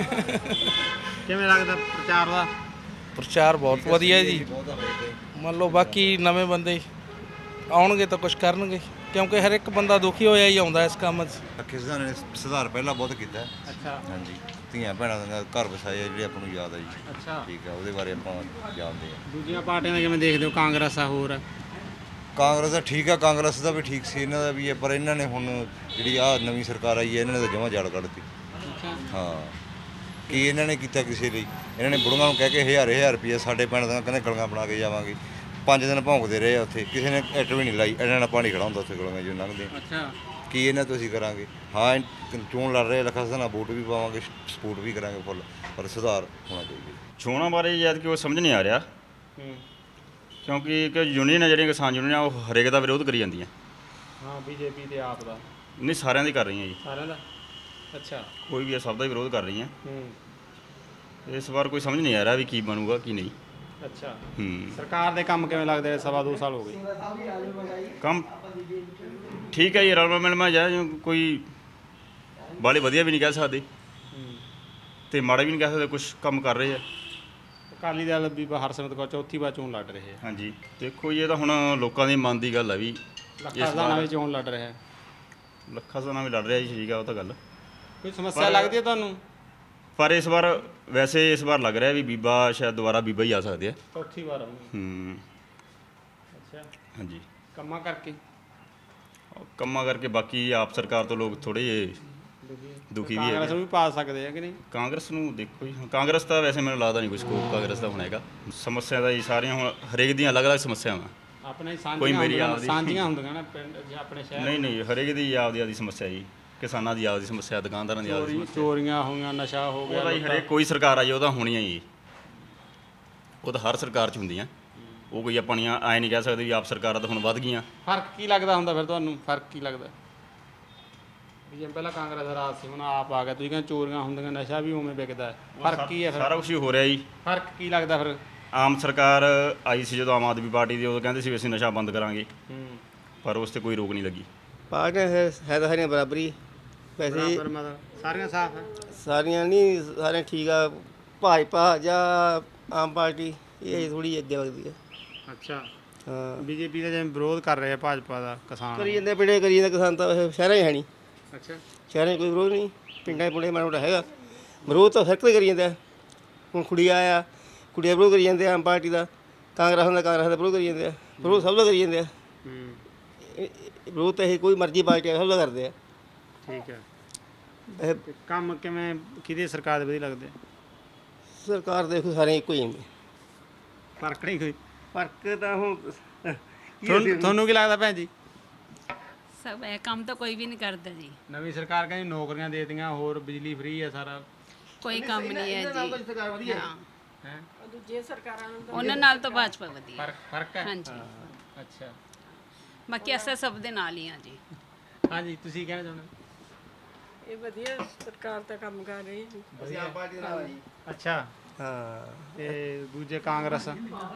ਕਿਵੇਂ ਲੱਗਦਾ ਪ੍ਰਚਾਰ ਦਾ?
ਪ੍ਰਚਾਰ ਬਹੁਤ ਵਧੀਆ ਜੀ। ਮੰਨ ਲਓ ਬਾਕੀ ਨਵੇਂ ਬੰਦੇ ਆਉਣਗੇ ਤਾਂ ਕੁਝ ਕਰਨਗੇ, ਕਿਉਂਕਿ ਹਰ ਇੱਕ ਬੰਦਾ ਦੁਖੀ ਹੋਇਆ ਹੀ ਆਉਂਦਾ ਇਸ ਕੰਮ 'ਚ।
ਲੱਖੇ ਸਦਾਨੇ ਨੇ ਸੁਧਾਰ ਪਹਿਲਾਂ ਬਹੁਤ ਕੀਤਾ।
ਅੱਛਾ।
ਹਾਂਜੀ, ਧੀਆਂ ਭੈਣਾਂ ਦਾ ਘਰ ਵਸਾਏ ਜਿਹੜੇ ਆਪਾਂ ਨੂੰ ਯਾਦ ਆ ਜੀ।
ਅੱਛਾ।
ਠੀਕ ਆ, ਉਹਦੇ ਬਾਰੇ ਆਪਾਂ ਜਾਣਦੇ ਆ।
ਦੂਜੀਆਂ ਪਾਰਟੀਆਂ ਦਾ ਕਿਵੇਂ ਦੇਖਦੇ ਹੋ? ਕਾਂਗਰਸ ਆ, ਹੋਰ ਆ?
ਕਾਂਗਰਸ ਦਾ ਠੀਕ ਆ, ਕਾਂਗਰਸ ਦਾ ਵੀ ਠੀਕ ਸੀ, ਇਹਨਾਂ ਦਾ ਵੀ ਹੈ, ਪਰ ਇਹਨਾਂ ਨੇ ਹੁਣ ਜਿਹੜੀ ਆ ਨਵੀਂ ਸਰਕਾਰ ਆਈ ਹੈ ਇਹਨਾਂ ਨੇ ਤਾਂ ਜਮਾਂ ਜੜ ਕੱਢਤੀ।
ਅੱਛਾ।
ਹਾਂ, ਕੀ ਇਹਨਾਂ ਨੇ ਕੀਤਾ ਕਿਸੇ ਲਈ? ਇਹਨਾਂ ਨੇ ਬੁੜੀਆਂ ਨੂੰ ਕਹਿ ਕੇ ਹਜ਼ਾਰ ਹਜ਼ਾਰ ਰੁਪਈਆ ਸਾਡੇ ਪਿੰਡ ਦਾ ਕਹਿੰਦੇ ਗਲੀਆਂ ਬਣਾ ਕੇ ਜਾਵਾਂਗੇ। ਪੰਜ ਦਿਨ ਭੌਂਕਦੇ ਰਹੇ ਆ ਉੱਥੇ, ਕਿਸੇ ਨੇ ਇੱਟ ਵੀ ਨਹੀਂ ਲਾਈ। ਇਹਨਾਂ ਨਾਲ ਪਾਣੀ ਖੜਾ ਹੁੰਦਾ ਉੱਥੇ ਗਲੀਆਂ ਜੋ ਲੰਘਦੇ।
ਅੱਛਾ।
ਕੀ ਇਹਨਾਂ ਤੋਂ ਅਸੀਂ ਕਰਾਂਗੇ? ਹਾਂ, ਇਹ ਚੋਣ ਲੜ ਰਹੇ ਲੱਖਾ ਸਦਾਨਾ, ਵੋਟ ਵੀ ਪਾਵਾਂਗੇ, ਸਪੋਰਟ ਵੀ ਕਰਾਂਗੇ ਫੁੱਲ, ਪਰ ਸੁਧਾਰ ਹੋਣਾ ਚਾਹੀਦਾ।
ਚੋਣਾਂ ਬਾਰੇ ਜਦ ਕਿ ਉਹ ਸਮਝ ਨਹੀਂ ਆ ਰਿਹਾ, ਕਿਉਂਕਿ ਕਿ ਯੂਨੀਅਨ ਹੈ ਜਿਹੜੀਆਂ ਕਿਸਾਨ ਯੂਨੀਅਨ ਉਹ ਹਰੇਕ ਦਾ ਵਿਰੋਧ ਕਰੀ ਜਾਂਦੀਆਂ।
ਹਾਂ, ਬੀਜੇਪੀ ਤੇ ਆਪ ਦਾ
ਨਹੀਂ, ਸਾਰਿਆਂ ਦੀ ਕਰ ਰਹੀਆਂ ਜੀ।
ਸਾਰਿਆਂ ਦਾ? ਅੱਛਾ।
ਕੋਈ ਵੀ ਹੈ, ਸਭ ਦਾ ਹੀ ਵਿਰੋਧ ਕਰ ਰਹੀਆਂ।
ਹੂੰ।
ਇਸ ਵਾਰ ਕੋਈ ਸਮਝ ਨਹੀਂ ਆ ਰਿਹਾ ਵੀ ਕੀ ਬਣੂਗਾ ਕੀ ਨਹੀਂ।
ਅੱਛਾ।
ਹੂੰ।
ਸਰਕਾਰ ਦੇ ਕੰਮ ਕਿਵੇਂ ਲੱਗਦੇ? ਸਵਾ ਦੋ ਸਾਲ ਹੋ ਗਏ
ਕੰਮ ਠੀਕ ਹੈ ਜੀ, ਰਲਵਾ ਮਿਲਵਾ ਜਾ, ਕੋਈ ਬਾਲੇ ਵਧੀਆ ਵੀ ਨਹੀਂ ਕਹਿ ਸਕਦੇ ਤੇ ਮਾੜਾ ਵੀ ਨਹੀਂ ਕਹਿ ਸਕਦੇ, ਕੁਝ ਕੰਮ ਕਰ ਰਹੇ ਆ।
ਅਕਾਲੀ ਦਲ ਵੀ ਹਰਸਿਮਰਤ ਕੌਰ ਚੌਥੀ ਵਾਰ ਚੋਣ ਲੜ ਰਹੇ ਆ।
ਹਾਂਜੀ, ਦੇਖੋ ਜੀ, ਇਹ ਤਾਂ ਹੁਣ ਲੋਕਾਂ ਦੇ ਮਨ ਦੀ ਗੱਲ ਆ ਵੀ
ਲੱਖਾ ਸਦਾਨਾ ਵੀ ਚੋਣ ਲੜ ਰਿਹਾ।
ਲੱਖਾ ਸਦਾਨਾ ਵੀ ਲੜ ਰਿਹਾ ਜੀ, ਠੀਕ ਆ, ਉਹ ਤਾਂ ਗੱਲ।
ਕੋਈ ਸਮੱਸਿਆ ਲੱਗਦੀ ਹੈ ਤੁਹਾਨੂੰ?
ਪਰ ਇਸ ਵਾਰ ਵੈਸੇ ਇਸ ਵਾਰ ਲੱਗ ਰਿਹਾ ਵੀ ਬੀਬਾ ਸ਼ਾਇਦ ਦੁਬਾਰਾ ਬੀਬਾ ਹੀ ਆ ਸਕਦੇ ਆ।
ਚੌਥੀ ਵਾਰ?
ਹੂੰ।
ਅੱਛਾ।
ਹਾਂਜੀ।
ਕੰਮਾਂ ਕਰਕੇ?
ਕੰਮਾਂ ਕਰਕੇ। ਬਾਕੀ ਆਪ ਸਰਕਾਰ ਤੋਂ ਲੋਕ ਥੋੜੇ ਜਿਹੇ ਦੁਖੀ ਵੀ
ਕਾਂਗਰਸ ਨੂੰ ਵੀ ਪਾ ਸਕਦੇ ਆ ਕਿ ਨਹੀਂ?
ਕਾਂਗਰਸ ਨੂੰ ਦੇਖੋ ਜੀ, ਕਾਂਗਰਸ ਤਾਂ ਵੈਸੇ ਮੈਨੂੰ ਲੱਗਦਾ ਨਹੀਂ ਕੋਈ ਸਕੋਪ ਕਾਂਗਰਸ ਦਾ ਹੁਣ ਹੈਗਾ। ਸਮੱਸਿਆ ਦਾ ਜੀ ਸਾਰੀਆਂ ਹੁਣ ਹਰੇਕ ਦੀਆਂ ਅਲੱਗ-ਅਲੱਗ ਸਮੱਸਿਆਵਾਂ।
ਆਪਣੇ
ਕੋਈ ਮੇਰੀ
ਸਾਂਝੀਆਂ
ਆਪਦੀ
ਸਾਂਝੀਆਂ ਹੁੰਦੀਆਂ ਨਾ ਪਿੰਡ ਜਾਂ ਆਪਣੇ ਸ਼ਹਿਰ?
ਨਹੀਂ ਨਹੀਂ, ਹਰੇਕ ਦੀ ਆਪਦੀ ਆਪਦੀ ਸਮੱਸਿਆ ਜੀ। ਕਿਸਾਨਾਂ ਦੀ ਆਪਦੀ ਸਮੱਸਿਆ, ਦੁਕਾਨਦਾਰਾਂ ਦੀ ਆਪਦੀ ਸਮੱਸਿਆ।
ਚੋਰੀਆਂ ਹੋਈਆਂ, ਨਸ਼ਾ ਹੋ ਗਿਆ।
ਉਹਦਾ ਜੀ ਹਰੇਕ ਕੋਈ ਸਰਕਾਰ ਆਈ ਉਹਦਾ ਹੋਣੀਆਂ ਜੀ, ਉਹ ਤਾਂ ਹਰ ਸਰਕਾਰ 'ਚ ਹੁੰਦੀਆਂ। ਉਹ ਕੋਈ ਆਪਣੀਆਂ ਐਂ ਨਹੀਂ ਕਹਿ ਸਕਦੇ ਵੀ ਆਪ ਸਰਕਾਰਾਂ ਤਾਂ ਹੁਣ ਵੱਧ ਗਈਆਂ।
ਫਰਕ ਕੀ ਲੱਗਦਾ ਹੁੰਦਾ ਫਿਰ ਤੁਹਾਨੂੰ? ਫਰਕ ਕੀ ਲੱਗਦਾ ਵੀ ਜਿਵੇਂ ਪਹਿਲਾਂ ਕਾਂਗਰਸ ਦਾ ਰਾਜ ਸੀ, ਹੁਣ ਆਪ ਆ ਗਿਆ, ਤੁਸੀਂ ਕਹਿੰਦੇ ਚੋਰੀਆਂ ਹੁੰਦੀਆਂ, ਨਸ਼ਾ ਵੀ ਉਵੇਂ ਵਿਕਦਾ, ਫਰਕ ਕੀ ਹੈ ਫਿਰ?
ਸਾਰਾ ਕੁਝ ਹੀ ਹੋ ਰਿਹਾ ਜੀ।
ਫਰਕ ਕੀ ਲੱਗਦਾ ਫਿਰ?
ਆਮ ਸਰਕਾਰ ਆਈ ਸੀ ਜਦੋਂ ਆਮ ਆਦਮੀ ਪਾਰਟੀ ਦੀ, ਉਦੋਂ ਕਹਿੰਦੇ ਸੀ ਵੀ ਅਸੀਂ ਨਸ਼ਾ ਬੰਦ ਕਰਾਂਗੇ,
ਹੂੰ,
ਪਰ ਉਸ 'ਤੇ ਕੋਈ ਰੋਕ ਨਹੀਂ ਲੱਗੀ।
ਪਾਰਟੀਆਂ ਹੈ ਹੈ ਤਾਂ ਸਾਰੀਆਂ ਬਰਾਬਰੀ ਵੈਸੇ,
ਬਰਾਬਰ ਮਤਲਬ ਸਾਰੀਆਂ ਸਾਫ਼ ਹੈ?
ਸਾਰੀਆਂ ਨਹੀਂ, ਸਾਰੀਆਂ ਠੀਕ ਆ। ਭਾਜਪਾ ਜਾਂ ਆਮ ਪਾਰਟੀ ਇਹ ਥੋੜੀ ਅੱਗੇ ਲੱਗਦੀ ਹੈ।
ਅੱਛਾ।
ਹਾਂ,
ਬੀਜੇਪੀ ਦਾ ਜਿਵੇਂ ਵਿਰੋਧ ਕਰ ਰਹੇ ਆ ਭਾਜਪਾ ਦਾ ਕਿਸਾਨ?
ਕਰੀ ਜਾਂਦੇ ਪਿੰਡੇ ਕਰੀ ਜਾਂਦੇ ਕਿਸਾਨ ਤਾਂ ਵੈਸੇ ਸ਼ਹਿਰਾਂ 'ਚ ਹੈ ਨਹੀਂ।
ਅੱਛਾ।
ਸ਼ਹਿਰਾਂ 'ਚ ਕੋਈ ਵਿਰੋਧ ਨਹੀਂ, ਪਿੰਡਾਂ 'ਚ ਪੁੰਡੇ ਮਾੜਾ ਮੋਟਾ ਹੈਗਾ ਵਿਰੋਧ, ਤਾਂ ਸਰਕਲ ਕਰੀ ਜਾਂਦਾ। ਹੁਣ ਕੁੜੀਆਂ ਆ, ਕੁੜੀਆਂ ਵਿਰੋਧ ਕਰੀ ਜਾਂਦੇ ਆ ਆਮ ਪਾਰਟੀ ਦਾ, ਕਾਂਗਰਸ ਦਾ ਕਾਂਗਰਸ ਦਾ ਵਿਰੋਧ ਕਰੀ ਜਾਂਦੇ ਆ, ਵਿਰੋਧ ਸਭ ਦਾ ਕਰੀ ਜਾਂਦੇ ਆ।
ਹੂੰ।
ਵਿਰੋਧ ਤਾਂ ਇਹ ਕੋਈ ਮਰਜ਼ੀ ਪਾਰਟੀ ਸਭ ਦਾ ਕਰਦੇ ਆ।
ਠੀਕ ਹੈ।
ਇਹ
ਤੇ ਕੰਮ ਕਿਵੇਂ ਕਿਹਦੀ ਸਰਕਾਰ ਦੇ ਵਧੀਆ ਲੱਗਦੇ?
ਸਰਕਾਰ ਦੇਖੋ ਸਾਰੇ ਇੱਕੋ ਹੀ ਹੁੰਦੇ,
ਫਰਕ ਨਹੀਂ ਕੋਈ?
ਫਰਕ ਤਾਂ ਹੁਣ
ਤੁਹਾਨੂੰ ਤੁਹਾਨੂੰ ਕੀ ਲੱਗਦਾ ਭੈਣ ਜੀ?
ਸਭ ਇਹ ਕੰਮ ਤਾਂ ਕੋਈ ਵੀ ਨਹੀਂ ਕਰਦਾ ਜੀ।
ਨਵੀਂ ਸਰਕਾਰ ਕਹਿੰਦੀ ਨੌਕਰੀਆਂ ਦੇ ਦਿੱਤੀਆਂ, ਹੋਰ ਬਿਜਲੀ ਫ੍ਰੀ ਹੈ, ਸਾਰਾ
ਕੋਈ ਕੰਮ ਨਹੀਂ ਹੈ ਜੀ।
ਸਰਕਾਰ ਵਧੀਆ
ਹਾਂ,
ਹੈ।
ਦੂਜੀਆਂ ਸਰਕਾਰਾਂ ਨੂੰ ਉਹਨਾਂ ਨਾਲ ਤਾਂ ਭਾਜਪਾ ਵਧੀਆ।
ਫਰਕ ਫਰਕ ਹੈ?
ਹਾਂਜੀ।
ਅੱਛਾ।
ਬਾਕੀ ਅਸਾਂ ਸਭ ਦੇ ਨਾਲ ਹੀ ਆ ਜੀ।
ਹਾਂਜੀ, ਤੁਸੀਂ ਕਹਿਣਾ ਚਾਹੁੰਦੇ?
ਇਹ ਵਧੀਆ ਸਰਕਾਰ ਤਾਂ ਕੰਮ ਕਰ ਰਹੀ ਹੈ।
ਅਸੀਂ ਆਮ ਪਾਰਟੀ ਦੇ ਨਾਲ ਆ ਜੀ।
ਅੱਛਾ।
ਹਾਂ,
ਤੇ ਦੂਜੇ ਕਾਂਗਰਸ?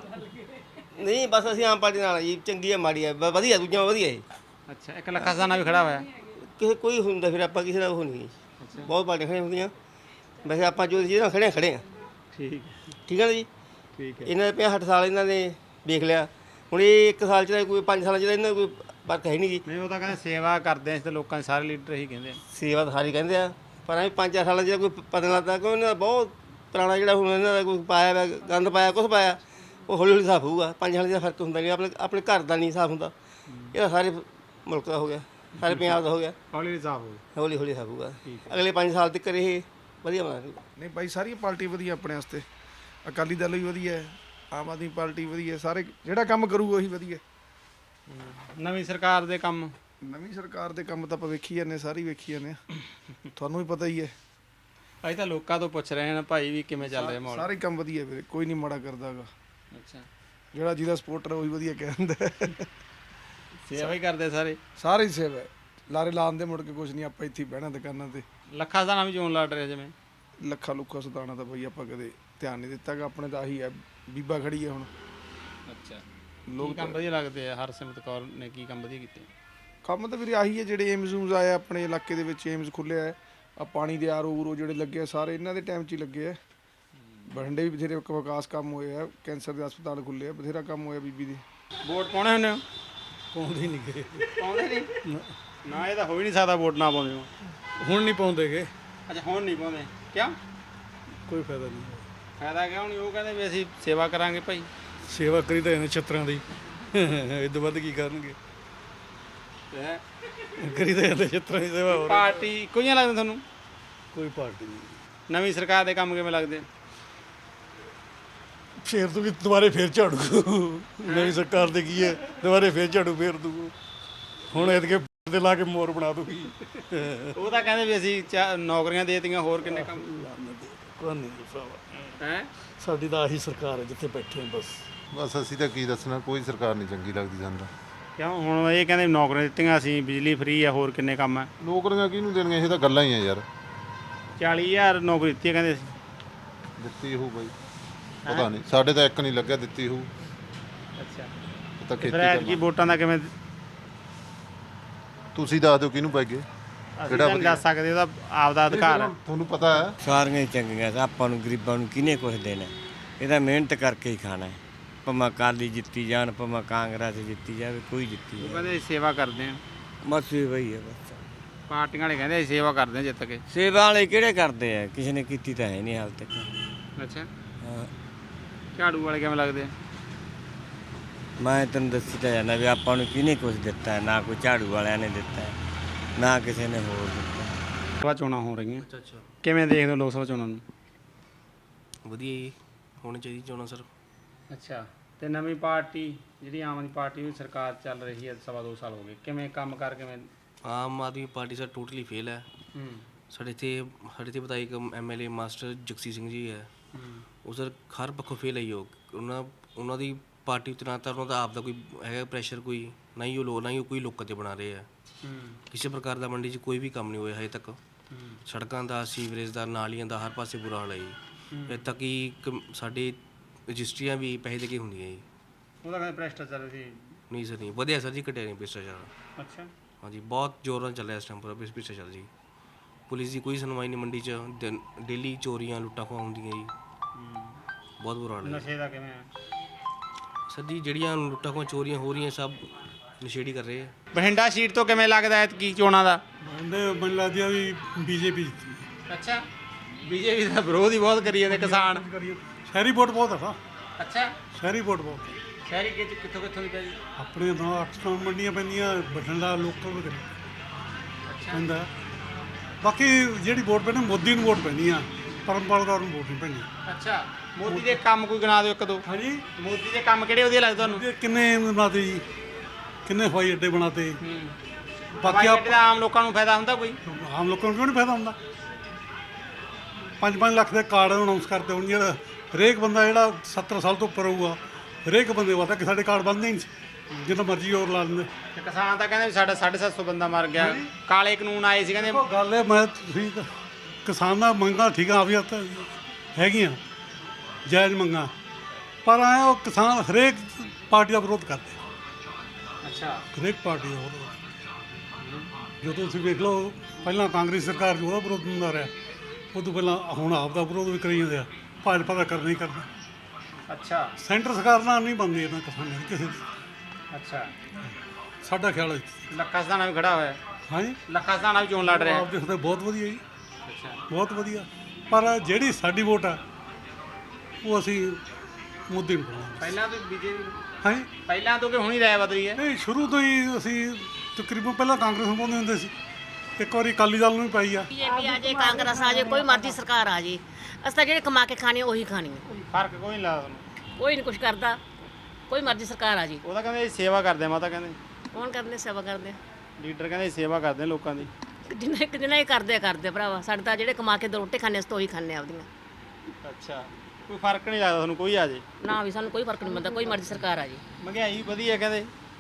ਨਹੀਂ ਬਸ ਅਸੀਂ ਆਮ ਪਾਰਟੀ ਨਾਲ ਆ ਜੀ। ਚੰਗੀ ਆ ਮਾੜੀ ਆ, ਬ- ਵਧੀਆ, ਦੂਜੀਆਂ ਵਧੀਆ ਜੀ।
ਅੱਛਾ। ਇੱਕ ਲੱਖਾ ਸਦਾਨਾ ਵੀ ਖੜਾ ਹੋਇਆ?
ਕਿਸੇ ਕੋਈ ਹੁੰਦਾ ਫਿਰ ਆਪਾਂ ਕਿਸੇ ਦਾ ਉਹ ਨਹੀਂ। ਬਹੁਤ ਪਾਰਟੀਆਂ ਖੜੀਆਂ ਹੁੰਦੀਆਂ, ਵੈਸੇ ਆਪਾਂ ਜੋ ਜਿਹਦੇ ਨਾਲ ਖੜੇ ਹਾਂ ਖੜੇ ਹਾਂ।
ਠੀਕ
ਠੀਕ ਹੈ ਨਾ ਜੀ।
ਠੀਕ ਹੈ।
ਇਹਨਾਂ ਦੇ ਪੰਜਾਹ ਸੱਠ ਸਾਲ ਇਹਨਾਂ ਨੇ ਵੇਖ ਲਿਆ, ਹੁਣ ਇਹ ਇੱਕ ਸਾਲ 'ਚ ਤਾਂ ਕੋਈ ਪੰਜ ਸਾਲਾਂ 'ਚ ਤਾਂ ਇਹਨਾਂ ਦਾ ਕੋਈ ਫਰਕ ਹੈ ਨਹੀਂ ਜੀ।
ਨਹੀਂ, ਉਹ ਤਾਂ ਕਹਿੰਦੇ ਸੇਵਾ ਕਰਦੇ ਆ ਤੇ ਲੋਕਾਂ ਦੇ ਸਾਰੇ ਲੀਡਰ ਇਹੀ ਕਹਿੰਦੇ ਆ।
ਸੇਵਾ ਤਾਂ ਸਾਰੀ ਕਹਿੰਦੇ ਆ, ਪਰ ਐਂ ਪੰਜ ਚਾਰ ਸਾਲਾਂ 'ਚ ਕੋਈ ਪਤਾ ਨਹੀਂ ਲੱਗਦਾ ਕਿ ਉਹਨਾਂ ਦਾ ਬਹੁਤ ਪੁਰਾਣਾ ਜਿਹੜਾ ਹੁਣ ਇਹਨਾਂ ਦਾ ਕੋਈ ਪਾਇਆ ਵਾ, ਗੰਦ ਪਾਇਆ, ਕੁਛ ਪਾਇਆ, ਉਹ ਹੌਲੀ ਹੌਲੀ ਸਾਫ਼ ਹੋਊਗਾ। ਪੰਜ ਸਾਲਾਂ 'ਚ ਫਰਕ ਹੁੰਦਾ ਨਹੀਂ, ਆਪਣੇ ਆਪਣੇ ਘਰ ਦਾ ਨਹੀਂ ਸਾਫ਼ ਹੁੰਦਾ। ਇਹਦਾ ਸਾਰੇ ਮੁਲਕ ਦਾ ਹੋ ਗਿਆ, ਸਾਰੇ ਪੰਜਾਬ ਦਾ ਹੋ ਗਿਆ,
ਹੌਲੀ ਹੌਲੀ ਸਾਫ਼ ਹੋ
ਹੌਲੀ ਹੌਲੀ ਸਾਫ਼ ਹੋਊਗਾ। ਅਗਲੇ ਪੰਜ ਸਾਲ ਤੱਕ ਇਹ ਵਧੀਆ ਬਣਾ ਰਹੀ।
ਨਹੀਂ ਭਾਈ, ਸਾਰੀਆਂ ਪਾਰਟੀ ਵਧੀਆ ਆਪਣੇ ਵਾਸਤੇ। ਅਕਾਲੀ ਦਲ ਵੀ ਵਧੀਆ ਹੈ, ਆਮ ਆਦਮੀ ਪਾਰਟੀ ਵਧੀਆ, ਸਾਰੇ ਜਿਹੜਾ ਕੰਮ ਕਰੂ ਉਹੀ ਵਧੀਆ।
ਨਵੀਂ ਸਰਕਾਰ ਦੇ ਕੰਮ?
ਨਵੀਂ ਸਰਕਾਰ ਦੇ ਕੰਮ ਤਾਂ ਆਪਾਂ ਵੇਖੀ ਜਾਂਦੇ, ਸਾਰੇ ਵੇਖੀ ਜਾਂਦੇ ਆ, ਤੁਹਾਨੂੰ ਵੀ ਪਤਾ ਹੀ ਹੈ।
ਅਸੀਂ ਤਾਂ ਲੋਕਾਂ ਤੋਂ ਪੁੱਛ ਰਹੇ ਹਾਂ ਭਾਈ ਵੀ ਕਿਵੇਂ ਚੱਲ ਰਿਹਾ ਮਾਹੌਲ?
ਸਾਰੇ ਕੰਮ ਵਧੀਆ ਵੀਰੇ, ਕੋਈ ਨਹੀਂ ਮਾੜਾ ਕਰਦਾ ਹੈਗਾ।
ਅੱਛਾ।
ਜਿਹੜਾ ਜਿਹਦਾ ਸਪੋਰਟਰ ਉਹੀ ਵਧੀਆ ਕਹਿ ਦਿੰਦਾ।
ਸੇਵਾ ਹੀ ਕਰਦੇ ਸਾਰੇ
ਸਾਰੇ ਹੀ ਸੇਵਾ ਹੈ। ਲਾਰੇ ਲਾਉਣ ਦੇ ਮੁੜ ਕੇ ਕੁਝ ਨਹੀਂ, ਆਪਾਂ ਇੱਥੇ ਹੀ ਬਹਿਣਾ ਦੁਕਾਨਾਂ ਤੇ।
ਲੱਖਾ ਸਦਾਣਾ ਵੀ ਚੋਣ ਲੜ ਰਿਹਾ ਜਿਵੇਂ
ਲੱਖਾ ਲੁੱਖਾ ਸਦਾਣਾ ਤਾਂ ਬਈ ਆਪਾਂ ਕਦੇ ਧਿਆਨ ਨਹੀਂ ਦਿੱਤਾ ਗਾ, ਆਪਣੇ ਤਾਂ ਆਹੀ ਹੈ, ਬੀਬਾ ਖੜੀ ਹੈ ਹੁਣ।
ਅੱਛਾ
ਲੋਕ
ਲੋਕ ਕੰਮ ਵਧੀਆ ਲੱਗਦੇ ਆ। ਹਰਸਿਮਰਤ ਕੌਰ ਨੇ ਕੀ ਕੰਮ ਵਧੀਆ ਕੀਤੇ?
ਕੰਮ ਤਾਂ ਵੀਰੇ ਆਹੀ ਹੈ, ਜਿਹੜੇ ਏਮਜ਼ ਊਮਜ਼ ਆਏ ਆਪਣੇ ਇਲਾਕੇ ਦੇ ਵਿੱਚ, ਏਮਜ਼ ਖੁੱਲ੍ਹਿਆ ਹੈ ਆ, ਪਾਣੀ ਦੇ ਆਰ ਓ ਜਿਹੜੇ ਲੱਗੇ ਆ ਸਾਰੇ ਇਹਨਾਂ ਦੇ ਟਾਈਮ 'ਚ ਹੀ ਲੱਗੇ ਆ। ਬਠਿੰਡੇ ਵੀ ਬਥੇਰੇ ਵਿਕਾਸ ਕੰਮ ਹੋਏ ਆ, ਕੈਂਸਰ ਦੇ ਹਸਪਤਾਲ ਖੁੱਲ੍ਹੇ ਆ, ਬਥੇਰਾ ਕੰਮ ਹੋਇਆ ਬੀਬੀ ਦੇ।
ਵੋਟ ਪਾਉਣੇ ਹੁੰਦੇ ਹੋ?
ਪਾਉਂਦੇ ਨਹੀਂ ਗਏ,
ਪਾਉਂਦੇ ਨਹੀਂ ਨਾ, ਇਹ ਤਾਂ ਹੋ ਹੀ ਨਹੀਂ ਸਕਦਾ ਵੋਟ ਨਾ ਪਾਉਂਦੇ ਹੋ।
ਹੁਣ ਨਹੀਂ ਪਾਉਂਦੇਗੇ।
ਅੱਛਾ ਹੁਣ ਨਹੀਂ ਪਾਉਂਦੇ ਕਿਉਂ?
ਕੋਈ ਫਾਇਦਾ ਨਹੀਂ।
ਫਾਇਦਾ ਕਿਉਂ ਨਹੀਂ? ਉਹ ਕਹਿੰਦੇ ਵੀ ਅਸੀਂ ਸੇਵਾ ਕਰਾਂਗੇ ਭਾਈ।
ਸੇਵਾ ਕਰੀ ਤਾਂ ਇਹਨੇ ਛੱਤਰਾਂ ਦੀ, ਇਹ ਤੋਂ ਵੱਧ ਕੀ ਕਰਨਗੇ?
ਹੈਂ?
ਕਰੀ ਤਾਂ ਇਹਨੇ ਛੱਤਰਾਂ ਦੀ ਸੇਵਾ। ਹੋਰ
ਪਾਰਟੀ ਕੋਈ ਨਹੀਂ ਲੱਗਦਾ ਤੁਹਾਨੂੰ?
ਕੋਈ ਪਾਰਟੀ ਨਹੀਂ।
ਨਵੀਂ ਸਰਕਾਰ ਦੇ ਕੰਮ ਕਿਵੇਂ ਲੱਗਦੇ?
ਫੇਰ ਤੂੰ ਵੀ ਦੁਬਾਰੇ ਫੇਰ ਝਾੜੂ, ਨਵੀਂ ਸਰਕਾਰ ਦੇ ਕੀ ਹੈ, ਦੁਬਾਰੇ ਫੇਰ ਝਾੜੂ ਫੇਰ ਦੂ। ਹੁਣ ਇਹਦੇ ਤੇ ਲਾ ਕੇ ਮੋਰ ਬਣਾ ਦੂਗੀ।
ਉਹ ਤਾਂ ਕਹਿੰਦੇ ਵੀ ਅਸੀਂ ਚਾ- ਨੌਕਰੀਆਂ ਦੇ ਦਿੱਤੀਆਂ, ਹੋਰ ਕਿੰਨੇ ਕੰਮ
ਕੋਈ ਨਹੀਂ ਭਰਾਵਾ,
ਹੈ।
ਸਾਡੀ ਤਾਂ ਆਹੀ ਸਰਕਾਰ ਹੈ ਜਿੱਥੇ ਬੈਠੇ ਹਾਂ ਬਸ।
ਬਸ ਅਸੀਂ ਤਾਂ ਕੀ ਦੱਸਣਾ, ਕੋਈ ਸਰਕਾਰ ਨਹੀਂ ਚੰਗੀ ਲੱਗਦੀ ਸਾਨੂੰ।
ਕਿਉਂ? ਹੁਣ ਇਹ ਕਹਿੰਦੇ ਨੌਕਰੀਆਂ ਦਿੱਤੀਆਂ ਅਸੀਂ, ਬਿਜਲੀ ਫ੍ਰੀ ਆ, ਹੋਰ ਕਿੰਨੇ ਕੰਮ ਹੈ।
ਨੌਕਰੀਆਂ ਕਿਹਨੂੰ ਦੇਣੀਆਂ? ਇਹ ਤਾਂ ਗੱਲਾਂ ਹੀ ਆ ਯਾਰ।
ਚਾਲੀ ਹਜ਼ਾਰ ਨੌਕਰੀ ਦਿੱਤੀ ਹੈ ਕਹਿੰਦੇ ਅਸੀਂ।
ਦਿੱਤੀ ਹੋਊ ਬਾਈ, ਪਤਾ ਨਹੀਂ, ਸਾਡੇ ਤਾਂ ਇੱਕ ਨਹੀਂ ਲੱਗਿਆ, ਦਿੱਤੀ ਹੋਊ।
ਅੱਛਾ
ਇਹ ਤਾਂ ਖੇਤੀ
ਫਿਰ ਐਤਕੀ ਵੋਟਾਂ ਦਾ ਕਿਵੇਂ?
ਤੁਸੀਂ ਦੱਸ ਦਿਓ ਕਿਹਨੂੰ ਪੈ ਗਏ,
ਅਸੀਂ ਤਾਂ ਨਹੀਂ ਦੱਸ ਸਕਦੇ, ਉਹਦਾ ਆਪਦਾ ਅਧਿਕਾਰ ਹੈ।
ਤੁਹਾਨੂੰ ਪਤਾ ਹੈ।
ਸਾਰੀਆਂ ਹੀ ਚੰਗੀਆਂ, ਆਪਾਂ ਨੂੰ ਗਰੀਬਾਂ ਨੂੰ ਕਿਹਨੇ ਕੁਛ ਦੇਣਾ? ਇਹਦਾ ਮਿਹਨਤ ਕਰਕੇ ਹੀ ਖਾਣਾ ਹੈ। ਭਾਵੇਂ ਅਕਾਲੀ ਜਿੱਤੀ ਜਾਣ, ਭਾਵੇਂ ਕਾਂਗਰਸ ਜਿੱਤੀ ਜਾਵੇ, ਕੋਈ ਜਿੱਤੀ
ਉਹ
ਜਾਵੇ,
ਕਹਿੰਦੇ ਅਸੀਂ ਸੇਵਾ ਕਰਦੇ ਹਾਂ।
ਬਸ ਇਹ ਵਈ ਹੈ। ਬਸ
ਪਾਰਟੀਆਂ ਵਾਲੇ ਕਹਿੰਦੇ ਅਸੀਂ ਸੇਵਾ ਕਰਦੇ ਹਾਂ ਜਿੱਤ ਕੇ।
ਸੇਵਾ ਵਾਲੇ ਕਿਹੜੇ ਕਰਦੇ ਆ? ਕਿਸੇ ਨੇ ਕੀਤੀ ਤਾਂ ਹੈ ਨਹੀਂ ਹਾਲ ਤੱਕ।
ਅੱਛਾ
ਹਾਂ,
ਝਾੜੂ ਵਾਲੇ ਕਿਵੇਂ ਲੱਗਦੇ ਆ?
ਮੈਂ ਤੈਨੂੰ ਦੱਸੀ ਤਾਂ ਜਾਂਦਾ ਵੀ ਆਪਾਂ ਨੂੰ ਕਿਹਨੇ ਕੁਛ ਦਿੱਤਾ ਹੈ? ਨਾ ਕੋਈ ਝਾੜੂ ਵਾਲਿਆਂ ਨੇ ਦਿੱਤਾ ਹੈ, ਨਾ ਕਿਸੇ ਨੇ ਹੋਰ ਦਿੱਤਾ।
ਸਭਾ ਚੋਣਾਂ ਹੋ ਰਹੀਆਂ,
ਅੱਛਾ ਅੱਛਾ
ਕਿਵੇਂ ਦੇਖਦੇ ਹੋ ਲੋਕ ਸਭਾ ਚੋਣਾਂ ਨੂੰ?
ਵਧੀਆ ਜੀ, ਹੋਣੀ ਚਾਹੀਦੀ ਚੋਣਾਂ ਸਰ।
ਅੱਛਾ ਤੇ ਨਵੀਂ ਪਾਰਟੀ ਜਿਹੜੀ ਆਮ ਆਦਮੀ ਪਾਰਟੀ ਦੀ ਸਰਕਾਰ ਚੱਲ ਰਹੀ ਹੈ, ਸਵਾ ਦੋ ਸਾਲ ਹੋ ਗਏ, ਕਿਵੇਂ ਕੰਮ ਕਰ ਕਿਵੇਂ?
Aam Aadmi party sir totally fail ਹੈ।
ਹੂੰ
ਸਾਡੇ ਇੱਥੇ ਸਾਡੇ ਇੱਥੇ ਵਿਧਾਇਕ M L A master Jagsir Singh ji ਹੈ, ਉਹ ਸਰ ਹਰ ਪੱਖੋਂ ਫੇਲ ਹੈ। ਉਹ ਉਹਨਾਂ ਉਹਨਾਂ ਦੀ ਪਾਰਟੀ ਉੱਤੇ ਨਾ ਤਾਂ ਉਹਨਾਂ ਦਾ ਆਪ ਦਾ ਕੋਈ ਹੈਗਾ ਪ੍ਰੈਸ਼ਰ, ਕੋਈ ਨਾ ਹੀ ਉਹ ਲੋ ਨਾ ਹੀ ਉਹ ਕੋਈ ਲੋਕਾਂ 'ਤੇ ਬਣਾ ਰਹੇ ਆ। ਕਿਸੇ ਪ੍ਰਕਾਰ ਦਾ ਮੰਡੀ 'ਚ ਕੋਈ ਵੀ ਕੰਮ ਨਹੀਂ ਹੋਇਆ ਹਜੇ ਤੱਕ। ਸੜਕਾਂ ਦਾ, ਸੀਵਰੇਜ ਦਾ, ਨਾਲੀਆਂ ਦਾ, ਹਰ ਪਾਸੇ ਬੁਰਾ ਹਾਲ ਹੈ ਜੀ। ਇੱਥੇ ਤੱਕ ਕਿ ਇੱਕ ਸਾਡੇ ਰਜਿਸਟਰੀਆਂ ਵੀ ਪੈਸੇ ਦੇ ਕੇ ਹੁੰਦੀਆਂ ਜੀ।
ਉਹਦਾ ਕਹਿੰਦੇ ਭ੍ਰਿਸ਼ਟਾਚਾਰ ਸੀ।
ਨਹੀਂ ਸਰ, ਨਹੀਂ ਵਧੀਆ ਸਰ ਜੀ, ਘਟਿਆ ਨਹੀਂ ਭ੍ਰਿਸ਼ਟਾਚਾਰ।
ਅੱਛਾ
ਹਾਂਜੀ, ਬਹੁਤ ਜ਼ੋਰ ਨਾਲ ਚੱਲ ਰਿਹਾ ਇਸ ਟਾਈਮ ਪੂਰਾ ਭ੍ਰਿਸ਼ਟਾਚਾਰ ਜੀ। ਪੁਲਿਸ ਦੀ ਕੋਈ ਸੁਣਵਾਈ ਨਹੀਂ ਮੰਡੀ 'ਚ, ਡੇਲੀ ਚੋਰੀਆਂ ਲੁੱਟਾਂ ਖੋਹਾਂ ਹੁੰਦੀਆਂ ਜੀ, ਬਹੁਤ ਬੁਰਾ ਹਾਲ ਹੈ।
ਨਸ਼ੇ ਦਾ ਕਿਵੇਂ ਹੈ?
ਸਰ ਜੀ ਜਿਹੜੀਆਂ ਲੁੱਟਾਂ ਖੋਹਾਂ ਚੋਰੀਆਂ ਹੋ ਰਹੀਆਂ ਸਭ ਨਸ਼ੇੜੀ ਕਰ ਰਹੇ ਆ।
ਬਠਿੰਡਾ ਸੀਟ ਤੋਂ ਕਿਵੇਂ ਲੱਗਦਾ ਹੈ ਕੀ ਚੋਣਾਂ ਦਾ?
ਮੈਨੂੰ ਲੱਗਦੀ ਆ ਵੀ ਬੀਜੇਪੀ।
ਅੱਛਾ ਬੀਜੇਪੀ ਦਾ ਵਿਰੋਧ ਹੀ ਬਹੁਤ ਕਰੀ ਜਾਂਦੇ ਕਿਸਾਨ।
ਸ਼ਹਿਰੀ ਵੋਟ ਬਹੁਤ ਆ।
ਅੱਛਾ
ਸ਼ਹਿਰੀ ਵੋਟ ਬਹੁਤ।
ਸ਼ਹਿਰੀ ਕਿੱਥੋਂ ਕਿੱਥੋਂ ਦੀ ਪੈ ਜੀ?
ਆਪਣੇ ਤਾਂ ਅੱਠ ਸੌ ਮੰਡੀਆਂ ਪੈਂਦੀਆਂ, ਬਠਿੰਡਾ ਲੋਕਲ ਵਗੈਰਾ ਪੈਂਦਾ। ਬਾਕੀ ਜਿਹੜੀ ਵੋਟ ਪੈਣੀ ਮੋਦੀ ਨੂੰ ਵੋਟ ਪੈਣੀ ਆ, ਪਰਮਪਾਲ ਕੌਰ ਨੂੰ ਵੋਟ ਨਹੀਂ ਪੈਣੀ।
ਅੱਛਾ ਮੋਦੀ ਦੇ ਕੰਮ ਕੋਈ ਗਿਣਾ ਦਿਓ ਇੱਕ ਦੋ।
ਹਾਂਜੀ
ਮੋਦੀ ਦੇ ਕੰਮ ਕਿਹੜੇ ਵਧੀਆ ਲੱਗਦੇ ਤੁਹਾਨੂੰ?
ਕਿੰਨੇ ਬਣਾਤੇ ਜੀ, ਕਿੰਨੇ ਹਵਾਈ ਅੱਡੇ ਬਣਾਤੇ।
ਬਾਕੀ ਆਮ ਲੋਕਾਂ ਨੂੰ ਫਾਇਦਾ ਹੁੰਦਾ ਕੋਈ?
ਆਮ ਲੋਕਾਂ ਨੂੰ ਕਿਉਂ ਨਹੀਂ ਫਾਇਦਾ ਹੁੰਦਾ? ਪੰਜ ਪੰਜ ਲੱਖ ਦੇ ਕਾਰਡ ਅਨਾਉਂਸ ਕਰਦੇ ਹੁਣ, ਜਿਹੜਾ ਹਰੇਕ ਬੰਦਾ ਜਿਹੜਾ ਸੱਤਰ ਸਾਲ ਤੋਂ ਉੱਪਰ ਹੋਊਗਾ, ਹਰੇਕ ਬੰਦੇ ਪਤਾ ਕਿ ਸਾਡੇ ਕਾਰਡ ਬਣਦੇ ਨਹੀਂ, ਜਿੰਨਾ ਮਰਜ਼ੀ ਹੋਰ ਲਾ ਲੈਂਦੇ।
ਕਿਸਾਨ ਤਾਂ ਕਹਿੰਦੇ ਵੀ ਸਾਡਾ ਸਾਢੇ ਸੱਤ ਸੌ ਬੰਦਾ ਮਰ ਗਿਆ, ਕਾਲੇ ਕਾਨੂੰਨ ਆਏ ਸੀ ਕਹਿੰਦੇ।
ਗੱਲ ਹੈ, ਮੈਂ ਤੁਸੀਂ ਕਿਸਾਨ ਦਾ ਮੰਗਾਂ ਠੀਕ ਆ ਵੀ ਤਾਂ ਹੈਗੀਆਂ ਜਾਇਜ਼ ਮੰਗਾਂ, ਪਰ ਐ ਉਹ ਕਿਸਾਨ ਹਰੇਕ ਪਾਰਟੀ ਦਾ ਵਿਰੋਧ ਕਰਦੇ।
ਅੱਛਾ
ਹਰੇਕ ਪਾਰਟੀ ਦਾ ਵਿਰੋਧ। ਜਦੋਂ ਤੁਸੀਂ ਵੇਖ ਲਓ, ਪਹਿਲਾਂ ਕਾਂਗਰਸ ਸਰਕਾਰ ਜੋ ਉਹਦਾ ਵਿਰੋਧ ਹੁੰਦਾ ਰਿਹਾ, ਉਹ ਤੋਂ ਪਹਿਲਾਂ ਹੁਣ ਆਪ ਦਾ ਵਿਰੋਧ ਵੀ ਕਰੀ ਜਾਂਦੇ ਆ। ਭਾਜਪਾ ਦਾ ਕਰਨਾ ਹੀ ਕਰਨਾ।
ਅੱਛਾ
ਸੈਂਟਰ ਸਰਕਾਰ ਨਾਲ ਨਹੀਂ ਬਣਦੀ ਇਹਨਾਂ ਕਿਸਾਨਾਂ ਦੀ ਕਿਸੇ ਦੀ।
ਅੱਛਾ
ਸਾਡਾ ਖਿਆਲ ਹੈ।
ਲੱਖਾ ਸਦਾਣਾ ਵੀ ਖੜਾ ਹੋਇਆ।
ਹਾਂਜੀ
ਲੱਖਾ ਸਦਾਣਾ ਵੀ ਚੋਣ ਲੜ ਰਿਹਾ।
ਆਪ ਦੇਖਦੇ ਬਹੁਤ ਵਧੀਆ ਜੀ,
ਅੱਛਾ
ਬਹੁਤ ਵਧੀਆ। ਪਰ ਜਿਹੜੀ ਸਾਡੀ ਵੋਟ ਆ ਉਹ ਅਸੀਂ ਮੋਦੀ ਨੂੰ ਪਾਵਾਂਗੇ।
ਪਹਿਲਾਂ ਤੋਂ ਬੀਜੇਪੀ
ਹਾਂਜੀ
ਪਹਿਲਾਂ ਤੋਂ ਕਿ ਹੁਣ ਹੀ ਰਾਇ ਬਦਲੀ ਹੈ?
ਨਹੀਂ, ਸ਼ੁਰੂ ਤੋਂ ਹੀ ਅਸੀਂ ਤਕਰੀਬਨ ਪਹਿਲਾਂ ਕਾਂਗਰਸ ਨੂੰ ਪਾਉਂਦੇ ਹੁੰਦੇ ਸੀ, ਇੱਕ ਵਾਰੀ ਅਕਾਲੀ ਦਲ ਨੂੰ ਵੀ ਪਾਈ ਆ।
ਬੀਜੇਪੀ ਆ ਜੇ, ਕਾਂਗਰਸ ਆ ਜੇ, ਕੋਈ ਮਰਜ਼ੀ ਸਰਕਾਰ ਆ ਜੇ, ਅਸੀਂ ਤਾਂ ਜਿਹੜੇ ਕਮਾ ਕੇ ਖਾਣੇ ਉਹੀ ਖਾਣੀ ਆ।
ਫਰਕ ਕੋਈ ਨਹੀਂ ਲੱਗਦਾ ਤੁਹਾਨੂੰ?
ਕੋਈ ਨਹੀਂ ਕੁਛ ਕਰਦਾ, ਕੋਈ ਮਰਜ਼ੀ ਸਰਕਾਰ ਆ ਜੀ।
ਉਹ ਤਾਂ ਕਹਿੰਦੇ ਸੇਵਾ ਕਰਦੇ ਮਾਤਾ ਕਹਿੰਦੇ।
ਕੌਣ ਕਰਦੇ ਸੇਵਾ ਕਰਦੇ?
ਲੀਡਰ ਕਹਿੰਦੇ ਸੇਵਾ ਕਰਦੇ ਲੋਕਾਂ ਦੀ।
ਜਿੰਨੇ ਜਿੰਨਾ ਹੀ ਕਰਦੇ ਆ ਕਰਦੇ ਆ ਭਰਾਵਾ, ਸਾਡੇ ਤਾਂ ਜਿਹੜੇ ਕਮਾ ਕੇ ਦੋ ਰੋਟੀ ਖਾਣੇ ਅਸੀਂ ਤਾਂ ਉਹੀ ਖਾਣੇ ਆਪਦੀਆਂ।
ਅੱਛਾ ਕੋਈ ਫਰਕ ਨਹੀਂ ਲੱਗਦਾ ਤੁਹਾਨੂੰ ਕੋਈ ਆ ਜੇ?
ਨਾ ਵੀ ਸਾਨੂੰ ਕੋਈ ਫਰਕ ਨਹੀਂ ਪੈਂਦਾ, ਕੋਈ ਮਰਜ਼ੀ ਸਰਕਾਰ ਆ ਜੀ।
ਮਹਿੰਗਾਈ ਵਧੀਆ ਕਹਿੰਦੇ।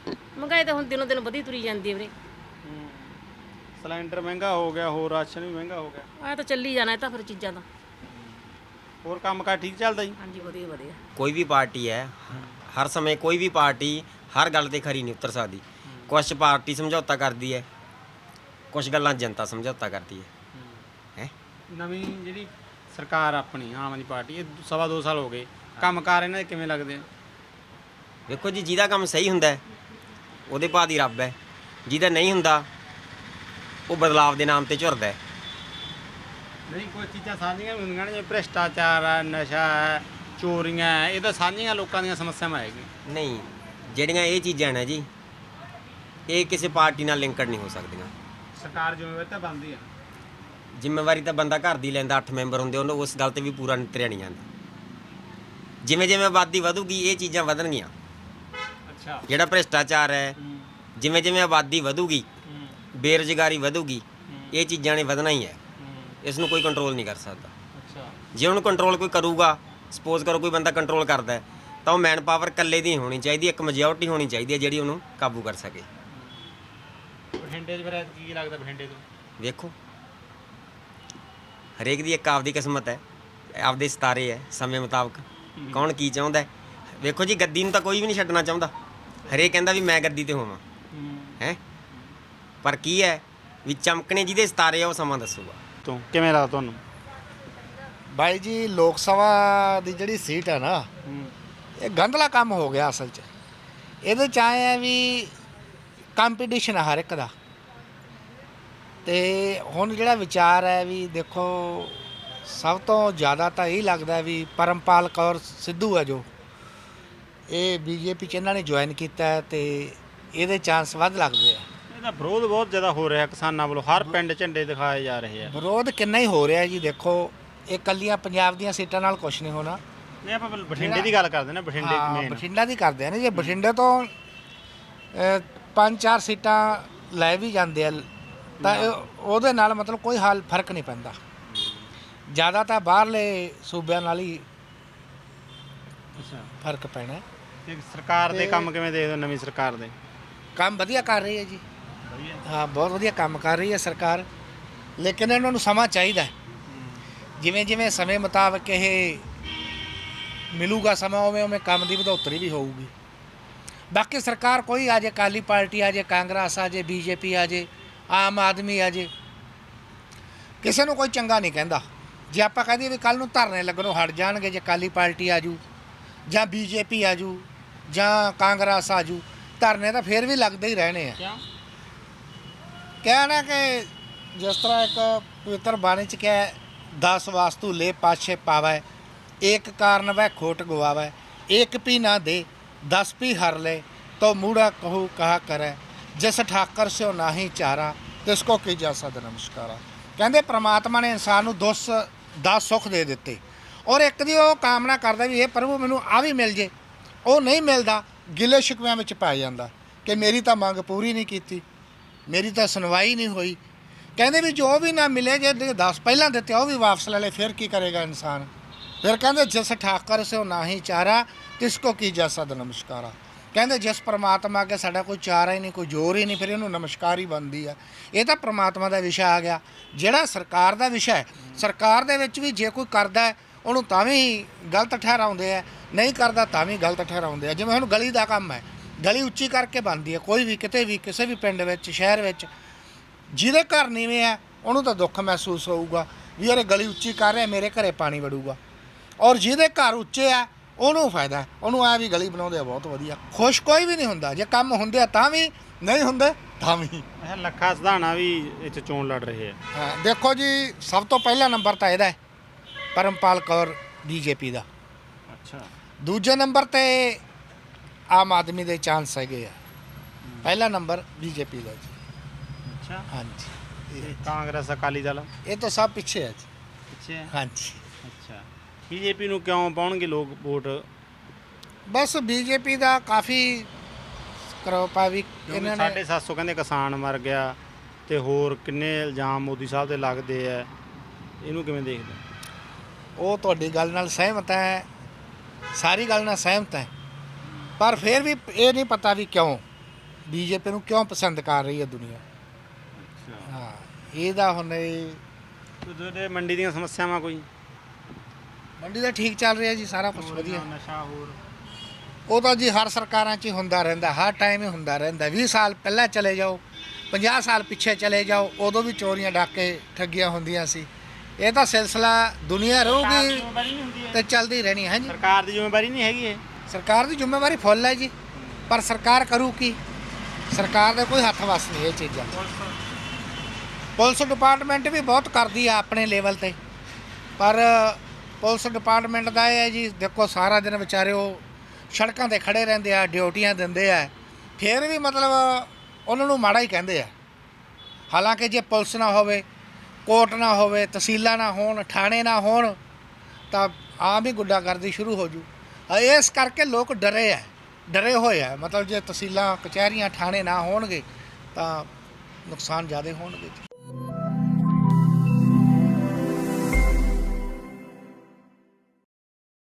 ਮਹਿੰਗਾਈ ਤਾਂ ਹੁਣ ਦਿਨੋਂ ਦਿਨ ਵਧੀ ਤੁਰੀ ਜਾਂਦੀ ਹੈ ਵੀਰੇ।
ਸਿਲੰਡਰ ਮਹਿੰਗਾ ਹੋ ਗਿਆ, ਹੋਰ ਰਾਸ਼ਨ ਵੀ ਮਹਿੰਗਾ ਹੋ ਗਿਆ।
ਆਹ ਤਾਂ ਚੱਲੀ ਜਾਣਾ ਇਹ ਤਾਂ ਫਿਰ ਚੀਜ਼ਾਂ ਦਾ।
ਹੋਰ ਕੰਮਕਾਰ ਠੀਕ ਚੱਲਦਾ ਜੀ?
ਹਾਂਜੀ ਵਧੀਆ ਵਧੀਆ।
ਕੋਈ ਵੀ ਪਾਰਟੀ ਹੈ, ਹਰ ਸਮੇਂ ਕੋਈ ਵੀ ਪਾਰਟੀ ਹਰ ਗੱਲ ਤੇ ਖਰੀ ਨਹੀਂ ਉਤਰ ਸਕਦੀ। ਕੁਛ ਪਾਰਟੀ ਸਮਝੌਤਾ ਕਰਦੀ ਹੈ, ਕੁਛ ਗੱਲਾਂ ਜਨਤਾ ਸਮਝੌਤਾ ਕਰਦੀ ਹੈ। ਹੈ
ਨਵੀਂ ਜਿਹੜੀ ਸਰਕਾਰ ਆਪਣੀ ਆਮ ਆਦਮੀ ਪਾਰਟੀ, ਇਹ ਸਵਾ ਦੋ ਸਾਲ ਹੋ ਗਏ, ਕੰਮਕਾਰ ਇਹਨਾਂ ਦੇ ਕਿਵੇਂ ਲੱਗਦੇ ਆ?
ਵੇਖੋ ਜੀ, ਜਿਹਦਾ ਕੰਮ ਸਹੀ ਹੁੰਦਾ ਹੈ, ਉਹਦੇ ਭਾਅ ਦੀ ਰੱਬ ਹੈ। ਜਿਹਦਾ ਨਹੀਂ ਹੁੰਦਾ ਉਹ ਬਦਲਾਵ ਦੇ ਨਾਮ ਤੇ ਝੁਰਦਾ ਹੈ।
ਨਹੀਂ, ਕੋਈ ਚੀਜ਼ਾਂ ਸਾਂਝੀਆਂ ਵੀ ਹੁੰਦੀਆਂ ਨੇ, ਜਿਵੇਂ ਭ੍ਰਿਸ਼ਟਾਚਾਰ ਹੈ, ਨਸ਼ਾ ਹੈ, ਚੋਰੀਆਂ ਹੈ, ਇਹ ਤਾਂ ਸਾਂਝੀਆਂ ਲੋਕਾਂ ਦੀਆਂ ਸਮੱਸਿਆਵਾਂ ਹੈਗੀਆਂ।
ਨਹੀਂ, ਜਿਹੜੀਆਂ ਇਹ ਚੀਜ਼ਾਂ ਨੇ ਜੀ, ਇਹ ਕਿਸੇ ਪਾਰਟੀ ਨਾਲ ਲਿੰਕਡ ਨਹੀਂ ਹੋ ਸਕਦੀਆਂ।
ਸਰਕਾਰ ਜ਼ਿੰਮੇਵਾਰੀ ਤਾਂ ਬਣਦੀ ਆ।
ਜ਼ਿੰਮੇਵਾਰੀ ਤਾਂ ਬੰਦਾ ਘਰ ਦੀ ਲੈਂਦਾ, ਅੱਠ ਮੈਂਬਰ ਹੁੰਦੇ, ਉਹਨੂੰ ਉਸ ਗੱਲ ਤੇ ਵੀ ਪੂਰਾ ਨਿਤਰਿਆ ਨਹੀਂ ਜਾਂਦਾ। ਜਿਵੇਂ ਜਿਵੇਂ ਆਬਾਦੀ ਵਧੂਗੀ ਇਹ ਚੀਜ਼ਾਂ ਵਧਣਗੀਆਂ।
ਅੱਛਾ।
ਜਿਹੜਾ ਭ੍ਰਿਸ਼ਟਾਚਾਰ ਹੈ, ਜਿਵੇਂ ਜਿਵੇਂ ਆਬਾਦੀ ਵਧੂਗੀ, ਬੇਰੁਜ਼ਗਾਰੀ ਵਧੂਗੀ, ਇਹ ਚੀਜ਼ਾਂ ਨੇ ਵਧਣਾ ਹੀ ਹੈ। ਇਸ ਨੂੰ ਕੋਈ ਕੰਟਰੋਲ ਨਹੀਂ ਕਰ ਸਕਦਾ।
ਅੱਛਾ।
ਜੇ ਉਹਨੂੰ ਕੰਟਰੋਲ ਕੋਈ ਕਰੂਗਾ, ਸਪੋਜ਼ ਕਰੋ ਕੋਈ ਬੰਦਾ ਕੰਟਰੋਲ ਕਰਦਾ ਹੈ, ਤਾਂ ਉਹ ਮੈਨ ਪਾਵਰ ਇਕੱਲੇ ਦੀ ਹੋਣੀ ਚਾਹੀਦੀ, ਇੱਕ ਮੈਜੋਰਟੀ ਹੋਣੀ ਚਾਹੀਦੀ ਹੈ ਜਿਹੜੀ ਉਹਨੂੰ ਕਾਬੂ ਕਰ ਸਕੇ।
ਬਠਿੰਡੇ 'ਚ ਫਿਰ ਕੀ ਲੱਗਦਾ ਬਠਿੰਡੇ ਤੋਂ?
ਵੇਖੋ, ਹਰੇਕ ਦੀ ਇੱਕ ਆਪਦੀ ਕਿਸਮਤ ਹੈ, ਆਪਦੇ ਸਿਤਾਰੇ ਹੈ, ਸਮੇਂ ਮੁਤਾਬਕ ਕੌਣ ਕੀ ਚਾਹੁੰਦਾ ਹੈ। ਵੇਖੋ ਜੀ, ਗੱਦੀ ਨੂੰ ਤਾਂ ਕੋਈ ਵੀ ਨਹੀਂ ਛੱਡਣਾ ਚਾਹੁੰਦਾ, ਹਰੇਕ ਕਹਿੰਦਾ ਵੀ ਮੈਂ ਗੱਦੀ ਤੇ ਹੋਵਾਂ, ਹੈ। ਪਰ ਕੀ ਹੈ ਵੀ ਚਮਕਣੇ ਜਿਹਦੇ ਸਿਤਾਰੇ ਆ ਉਹ ਸਮਾਂ ਦੱਸੂਗਾ।
ਤੋਂ ਕਿਵੇਂ ਲੱਗਦਾ ਤੁਹਾਨੂੰ?
ਬਾਈ ਜੀ, ਲੋਕ ਸਭਾ ਦੀ ਜਿਹੜੀ ਸੀਟ ਹੈ ਨਾ, ਇਹ ਗੰਦਲਾ ਕੰਮ ਹੋ ਗਿਆ ਅਸਲ 'ਚ। ਇਹਦੇ 'ਚ ਆਏ ਆ ਵੀ ਕੰਪੀਟੀਸ਼ਨ ਹੈ ਹਰ ਇੱਕ ਦਾ। ਤੇ ਹੁਣ ਜਿਹੜਾ ਵਿਚਾਰ ਹੈ ਵੀ ਦੇਖੋ, ਸਭ ਤੋਂ ਜ਼ਿਆਦਾ ਤਾਂ ਇਹ ਲੱਗਦਾ ਵੀ ਪਰਮਪਾਲ ਕੌਰ ਸਿੱਧੂ ਹੈ ਜੋ, ਇਹ ਬੀਜੇਪੀ 'ਚ ਇਹਨਾਂ ਨੇ ਜੁਆਇਨ ਕੀਤਾ ਹੈ ਤੇ ਇਹਦੇ ਚਾਂਸ ਵੱਧ ਲੱਗਦੇ ਆ।
ਇਹਦਾ ਵਿਰੋਧ ਬਹੁਤ ਜ਼ਿਆਦਾ ਹੋ ਰਿਹਾ ਕਿਸਾਨਾਂ ਵੱਲੋਂ, ਹਰ ਪਿੰਡ ਝੰਡੇ ਦਿਖਾਏ ਜਾ ਰਹੇ ਆ।
ਵਿਰੋਧ ਕਿੰਨਾ ਹੀ ਹੋ ਰਿਹਾ ਜੀ। ਦੇਖੋ, ਇਹ ਕੱਲੀਆਂ ਪੰਜਾਬ ਦੀਆਂ ਸੀਟਾਂ ਨਾਲ ਕੁਝ ਨਹੀਂ ਹੋਣਾ।
ਨਹੀਂ, ਆਪਾਂ ਬਠਿੰਡੇ ਦੀ ਗੱਲ ਕਰਦੇ ਨਾ, ਬਠਿੰਡੇ
ਹਾਂ,
ਮੇਨ
ਬਠਿੰਡਾ ਦੀ ਕਰਦੇ ਆ ਨਾ। ਜੇ ਬਠਿੰਡੇ ਤੋਂ ਅ, ਪੰਜ ਚਾਰ ਸੀਟਾਂ ਲੈ ਵੀ ਜਾਂਦੇ ਆ ਤਾਂ ਇਹ- ਉਹਦੇ ਨਾਲ ਮਤਲਬ ਕੋਈ ਹਾਲ ਫਰਕ ਨਹੀਂ ਪੈਂਦਾ। ਜ਼ਿਆਦਾ ਤਾਂ ਬਾਹਰਲੇ ਸੂਬਿਆਂ ਨਾਲ ਹੀ ਫਰਕ ਪੈਣਾ।
ਤੇ ਸਰਕਾਰ ਦੇ ਕੰਮ ਕਿਵੇਂ ਦੇਖਦੇ ਹੋ? ਨਵੀਂ ਸਰਕਾਰ ਦੇ
ਕੰਮ ਵਧੀਆ ਕਰ ਰਹੀ ਹੈ ਜੀ। ਹਾਂ, ਬਹੁਤ ਵਧੀਆ ਕੰਮ ਕਰ ਰਹੀ ਹੈ ਸਰਕਾਰ, ਲੇਕਿਨ ਇਹਨਾਂ ਨੂੰ ਸਮਾਂ ਚਾਹੀਦਾ। ਜਿਵੇਂ ਜਿਵੇਂ ਸਮੇਂ ਮੁਤਾਬਕ ਇਹ ਮਿਲੂਗਾ ਸਮਾਂ, ਉਵੇਂ ਉਵੇਂ ਕੰਮ ਦੀ ਵਧੋਤਰੀ ਵੀ ਹੋਊਗੀ। ਬਾਕੀ ਸਰਕਾਰ ਕੋਈ ਆ ਜੇ, ਅਕਾਲੀ ਪਾਰਟੀ ਆ ਜੇ, ਕਾਂਗਰਸ ਆ ਜੇ, ਬੀਜੇਪੀ ਆ ਜੇ, ਆਮ ਆਦਮੀ ਆ ਜੇ, ਕਿਸੇ ਨੂੰ ਕੋਈ ਚੰਗਾ ਨਹੀਂ ਕਹਿੰਦਾ। ਜੇ ਆਪਾਂ ਕਹਦੇ ਵੀ ਕੱਲ ਨੂੰ ਧਰਨੇ ਲੱਗਣੋਂ ਹਟ ਜਾਣਗੇ, ਜੇ ਅਕਾਲੀ ਪਾਰਟੀ ਆ ਜੂ ਜਾਂ ਬੀਜੇਪੀ ਆ ਜੂ ਜਾਂ ਕਾਂਗਰਸ ਆ ਜੂ, ਧਰਨੇ ਤਾਂ ਫਿਰ ਵੀ ਲੱਗਦੇ ਹੀ ਰਹਿਣੇ ਆ।
ਕਿਉਂ?
ਕਹਿਣਾ ਕਿ ਜਿਸ ਤਰ੍ਹਾਂ ਇੱਕ ਪਵਿੱਤਰ ਬਾਣੀ 'ਚ ਕਿਹਾ, ਦਸ ਵਾਸਤੂ ਲੈ ਪਾਛੇ ਪਾਵੈ, ਇੱਕ ਕਾਰਨ ਵੈ ਖੋਟ ਗਵਾਵੈ, ਇੱਕ ਪੀ ਨਾ ਦੇ ਦਸ ਪੀ ਹਰ ਲੈ, ਤੋ ਮੂੜਾ ਕਹੂ ਕਹਾ ਕਰੈ, ਜਿਸ ਠਾਕਰ ਸਿਓ ਨਾਹੀ ਚਾਰਾ, ਤਿਸ ਕੋ ਕੀ ਜਾ ਸਦ ਨਮਸਕਾਰਾ। ਕਹਿੰਦੇ ਪ੍ਰਮਾਤਮਾ ਨੇ ਇਨਸਾਨ ਨੂੰ ਦਸ ਦਸ ਸੁੱਖ ਦੇ ਦਿੱਤੇ, ਔਰ ਇੱਕ ਦੀ ਉਹ ਕਾਮਨਾ ਕਰਦਾ ਵੀ ਇਹ ਪ੍ਰਭੂ ਮੈਨੂੰ ਆ ਵੀ ਮਿਲ ਜੇ। ਉਹ ਨਹੀਂ ਮਿਲਦਾ, ਗਿਲੇ ਸ਼ਿਕਵਿਆਂ ਵਿੱਚ ਪੈ ਜਾਂਦਾ ਕਿ ਮੇਰੀ ਤਾਂ ਮੰਗ ਪੂਰੀ ਨਹੀਂ ਕੀਤੀ, ਮੇਰੀ ਤਾਂ ਸੁਣਵਾਈ ਨਹੀਂ ਹੋਈ। ਕਹਿੰਦੇ ਵੀ ਜੋ ਵੀ ਨਾ ਮਿਲੇ, ਜੇ ਦਸ ਪਹਿਲਾਂ ਦਿੱਤੇ ਉਹ ਵੀ ਵਾਪਸ ਲੈ ਲੈ, ਫਿਰ ਕੀ ਕਰੇਗਾ ਇਨਸਾਨ? ਫਿਰ ਕਹਿੰਦੇ ਜਿਸ ਠਾਕਰ ਸਿਓ ਨਾਹੀ ਚਾਰਾ, ਤਿਸ ਕੋ ਕੀ ਜਾ ਸਦ ਨਮਸਕਾਰਾ। ਕਹਿੰਦੇ ਜਿਸ ਪ੍ਰਮਾਤਮਾ ਅੱਗੇ ਸਾਡਾ ਕੋਈ ਚਾਰਾ ਹੀ ਨਹੀਂ, ਕੋਈ ਜ਼ੋਰ ਹੀ ਨਹੀਂ, ਫਿਰ ਇਹਨੂੰ ਨਮਸਕਾਰ ਹੀ ਬਣਦੀ ਆ। ਇਹ ਤਾਂ ਪ੍ਰਮਾਤਮਾ ਦਾ ਵਿਸ਼ਾ ਆ ਗਿਆ। ਜਿਹੜਾ ਸਰਕਾਰ ਦਾ ਵਿਸ਼ਾ ਹੈ, ਸਰਕਾਰ ਦੇ ਵਿੱਚ ਵੀ ਜੇ ਕੋਈ ਕਰਦਾ ਹੈ ਉਹਨੂੰ ਤਾਂ ਵੀ ਗਲਤ ਠਹਿਰਾਉਂਦੇ ਆ, ਨਹੀਂ ਕਰਦਾ ਤਾਂ ਵੀ ਗਲਤ ਠਹਿਰਾਉਂਦੇ ਆ। ਜਿਵੇਂ ਹੁਣ ਗਲੀ ਦਾ ਕੰਮ ਹੈ, ਗਲੀ ਉੱਚੀ ਕਰਕੇ ਬਣਦੀ ਹੈ। ਕੋਈ ਵੀ ਕਿਤੇ ਵੀ ਕਿਸੇ ਵੀ ਪਿੰਡ ਵਿੱਚ, ਸ਼ਹਿਰ ਵਿੱਚ, ਜਿਹਦੇ ਘਰ ਨੀਵੇਂ ਆ ਉਹਨੂੰ ਤਾਂ ਦੁੱਖ ਮਹਿਸੂਸ ਹੋਊਗਾ ਵੀ ਯਾਰ ਗਲੀ ਉੱਚੀ ਕਰ ਰਿਹਾ, ਮੇਰੇ ਘਰੇ ਪਾਣੀ ਵੜੂਗਾ। ਔਰ ਜਿਹਦੇ ਘਰ ਉੱਚੇ ਆ ਉਹਨੂੰ ਫਾਇਦਾ, ਉਹਨੂੰ ਆ ਵੀ ਗਲੀ ਬਣਾਉਂਦੇ ਆ ਬਹੁਤ ਵਧੀਆ। ਖੁਸ਼ ਕੋਈ ਵੀ ਨਹੀਂ ਹੁੰਦਾ, ਜੇ ਕੰਮ ਹੁੰਦੇ ਆ ਤਾਂ ਵੀ, ਨਹੀਂ ਹੁੰਦੇ ਤਾਂ ਵੀ।
ਅੱਛਾ, ਲੱਖਾ ਸਿਧਾਣਾ ਵੀ ਇੱਥੇ ਚੋਣ ਲੜ ਰਹੇ ਆ।
ਹਾਂ, ਦੇਖੋ ਜੀ, ਸਭ ਤੋਂ ਪਹਿਲਾ ਨੰਬਰ ਤਾਂ ਇਹਦਾ ਹੈ, ਪਰਮਪਾਲ ਕੌਰ ਬੀਜੇਪੀ ਦਾ।
ਅੱਛਾ।
ਦੂਜੇ ਨੰਬਰ ਤੇ ਆਮ ਆਦਮੀ ਦੇ ਚਾਂਸ ਹੈਗੇ ਆ। ਪਹਿਲਾ ਨੰਬਰ ਬੀਜੇਪੀ ਦਾ ਜੀ।
ਅੱਛਾ।
ਹਾਂਜੀ।
ਤੇ ਕਾਂਗਰਸ, ਅਕਾਲੀ ਦਲ
ਇਹ ਤਾਂ ਸਭ ਪਿੱਛੇ ਹੈ ਜੀ।
ਪਿੱਛੇ ਹੈ?
ਹਾਂਜੀ।
ਅੱਛਾ। ਬੀਜੇਪੀ ਨੂੰ ਕਿਉਂ ਪਾਉਣਗੇ ਲੋਕ ਵੋਟ?
ਬਸ ਬੀਜੇਪੀ ਦਾ ਕਾਫੀ ਕਰੋਪਾ ਵੀ ਇਹਨਾਂ ਨੇ।
ਸਾਢੇ ਸੱਤ ਸੌ ਕਹਿੰਦੇ ਕਿਸਾਨ ਮਰ ਗਿਆ, ਤੇ ਹੋਰ ਕਿੰਨੇ ਇਲਜ਼ਾਮ ਮੋਦੀ ਸਾਹਿਬ ਦੇ ਲੱਗਦੇ ਆ, ਇਹਨੂੰ ਕਿਵੇਂ ਦੇਖਦੇ?
ਉਹ ਤੁਹਾਡੀ ਗੱਲ ਨਾਲ ਸਹਿਮਤ ਹੈ, ਸਾਰੀ ਗੱਲ ਨਾਲ ਸਹਿਮਤ ਹੈ, ਪਰ ਫਿਰ ਵੀ ਇਹ ਨਹੀਂ ਪਤਾ ਵੀ ਕਿਉਂ। ਬੀਜੇਪੀ ਨੂੰ ਕਿਉਂ ਪਸੰਦ ਕਰ ਰਹੀ ਹੈ ਦੁਨੀਆ। ਹਾਂ ਇਹਦਾ ਹੁਣ ਇਹ
ਤੁਹਾਡੇ ਮੰਡੀ ਦੀਆਂ ਸਮੱਸਿਆਵਾਂ ਕੋਈ?
ਮੰਡੀ ਦਾ ਠੀਕ ਚੱਲ ਰਿਹਾ ਜੀ, ਸਾਰਾ ਕੁਝ ਵਧੀਆ।
ਨਸ਼ਾ ਹੋਰ
ਉਹ ਤਾਂ ਜੀ ਹਰ ਸਰਕਾਰਾਂ 'ਚ ਹੀ ਹੁੰਦਾ ਰਹਿੰਦਾ, ਹਰ ਟਾਈਮ ਹੀ ਹੁੰਦਾ ਰਹਿੰਦਾ। ਵੀਹ ਸਾਲ ਪਹਿਲਾਂ ਚਲੇ ਜਾਓ, ਪੰਜਾਹ ਸਾਲ ਪਿੱਛੇ ਚਲੇ ਜਾਓ, ਉਦੋਂ ਵੀ ਚੋਰੀਆਂ ਡਾਕੇ ਠੱਗੀਆਂ ਹੁੰਦੀਆਂ ਸੀ। ਇਹ ਤਾਂ ਸਿਲਸਿਲਾ ਦੁਨੀਆ ਰਹੂਗੀ ਤੇ ਚੱਲਦੀ ਰਹਿਣੀ ਹੈ ਜੀ।
ਸਰਕਾਰ ਦੀ ਜ਼ਿੰਮੇਵਾਰੀ ਨਹੀਂ ਹੈਗੀ ਇਹ?
ਸਰਕਾਰ ਦੀ ਜ਼ਿੰਮੇਵਾਰੀ ਫੁੱਲ ਹੈ ਜੀ, ਪਰ ਸਰਕਾਰ ਕਰੂ ਕੀ? ਸਰਕਾਰ ਦਾ ਕੋਈ ਹੱਥ ਵੱਸ ਨਹੀਂ ਇਹ ਚੀਜ਼ਾਂ। ਪੁਲਿਸ ਡਿਪਾਰਟਮੈਂਟ ਵੀ ਬਹੁਤ ਕਰਦੀ ਆ ਆਪਣੇ ਲੈਵਲ ਤੇ, ਪਰ ਪੁਲਿਸ ਡਿਪਾਰਟਮੈਂਟ ਦਾ ਇਹ ਹੈ ਜੀ, ਦੇਖੋ ਸਾਰਾ ਦਿਨ ਵਿਚਾਰੇ ਉਹ ਸੜਕਾਂ ਤੇ ਖੜੇ ਰਹਿੰਦੇ ਆ, ਡਿਊਟੀਆਂ ਦਿੰਦੇ ਆ, ਫਿਰ ਵੀ ਮਤਲਬ ਉਹਨਾਂ ਨੂੰ ਮਾੜਾ ਹੀ ਕਹਿੰਦੇ ਆ। ਹਾਲਾਂਕਿ ਜੇ ਪੁਲਿਸ ਨਾ ਹੋਵੇ, ਕੋਰਟ ਨਾ ਹੋਵੇ, ਤਹਿਸੀਲਾਂ ਨਾ ਹੋਣ, ਥਾਣੇ ਨਾ ਹੋਣ, ਤਾਂ ਆਮ ਹੀ ਗੁੰਡਾਗਰਦੀ ਸ਼ੁਰੂ ਹੋ ਜੂ। ਇਸ ਕਰਕੇ ਲੋਕ ਡਰੇ ਆ, ਡਰੇ ਹੋਏ ਆ। ਮਤਲਬ ਜੇ ਤਹਿਸੀਲਾਂ, ਕਚਹਿਰੀਆਂ, ਥਾਣੇ ਨਾ ਹੋਣਗੇ ਤਾਂ ਨੁਕਸਾਨ ਜ਼ਿਆਦਾ ਹੋਣਗੇ।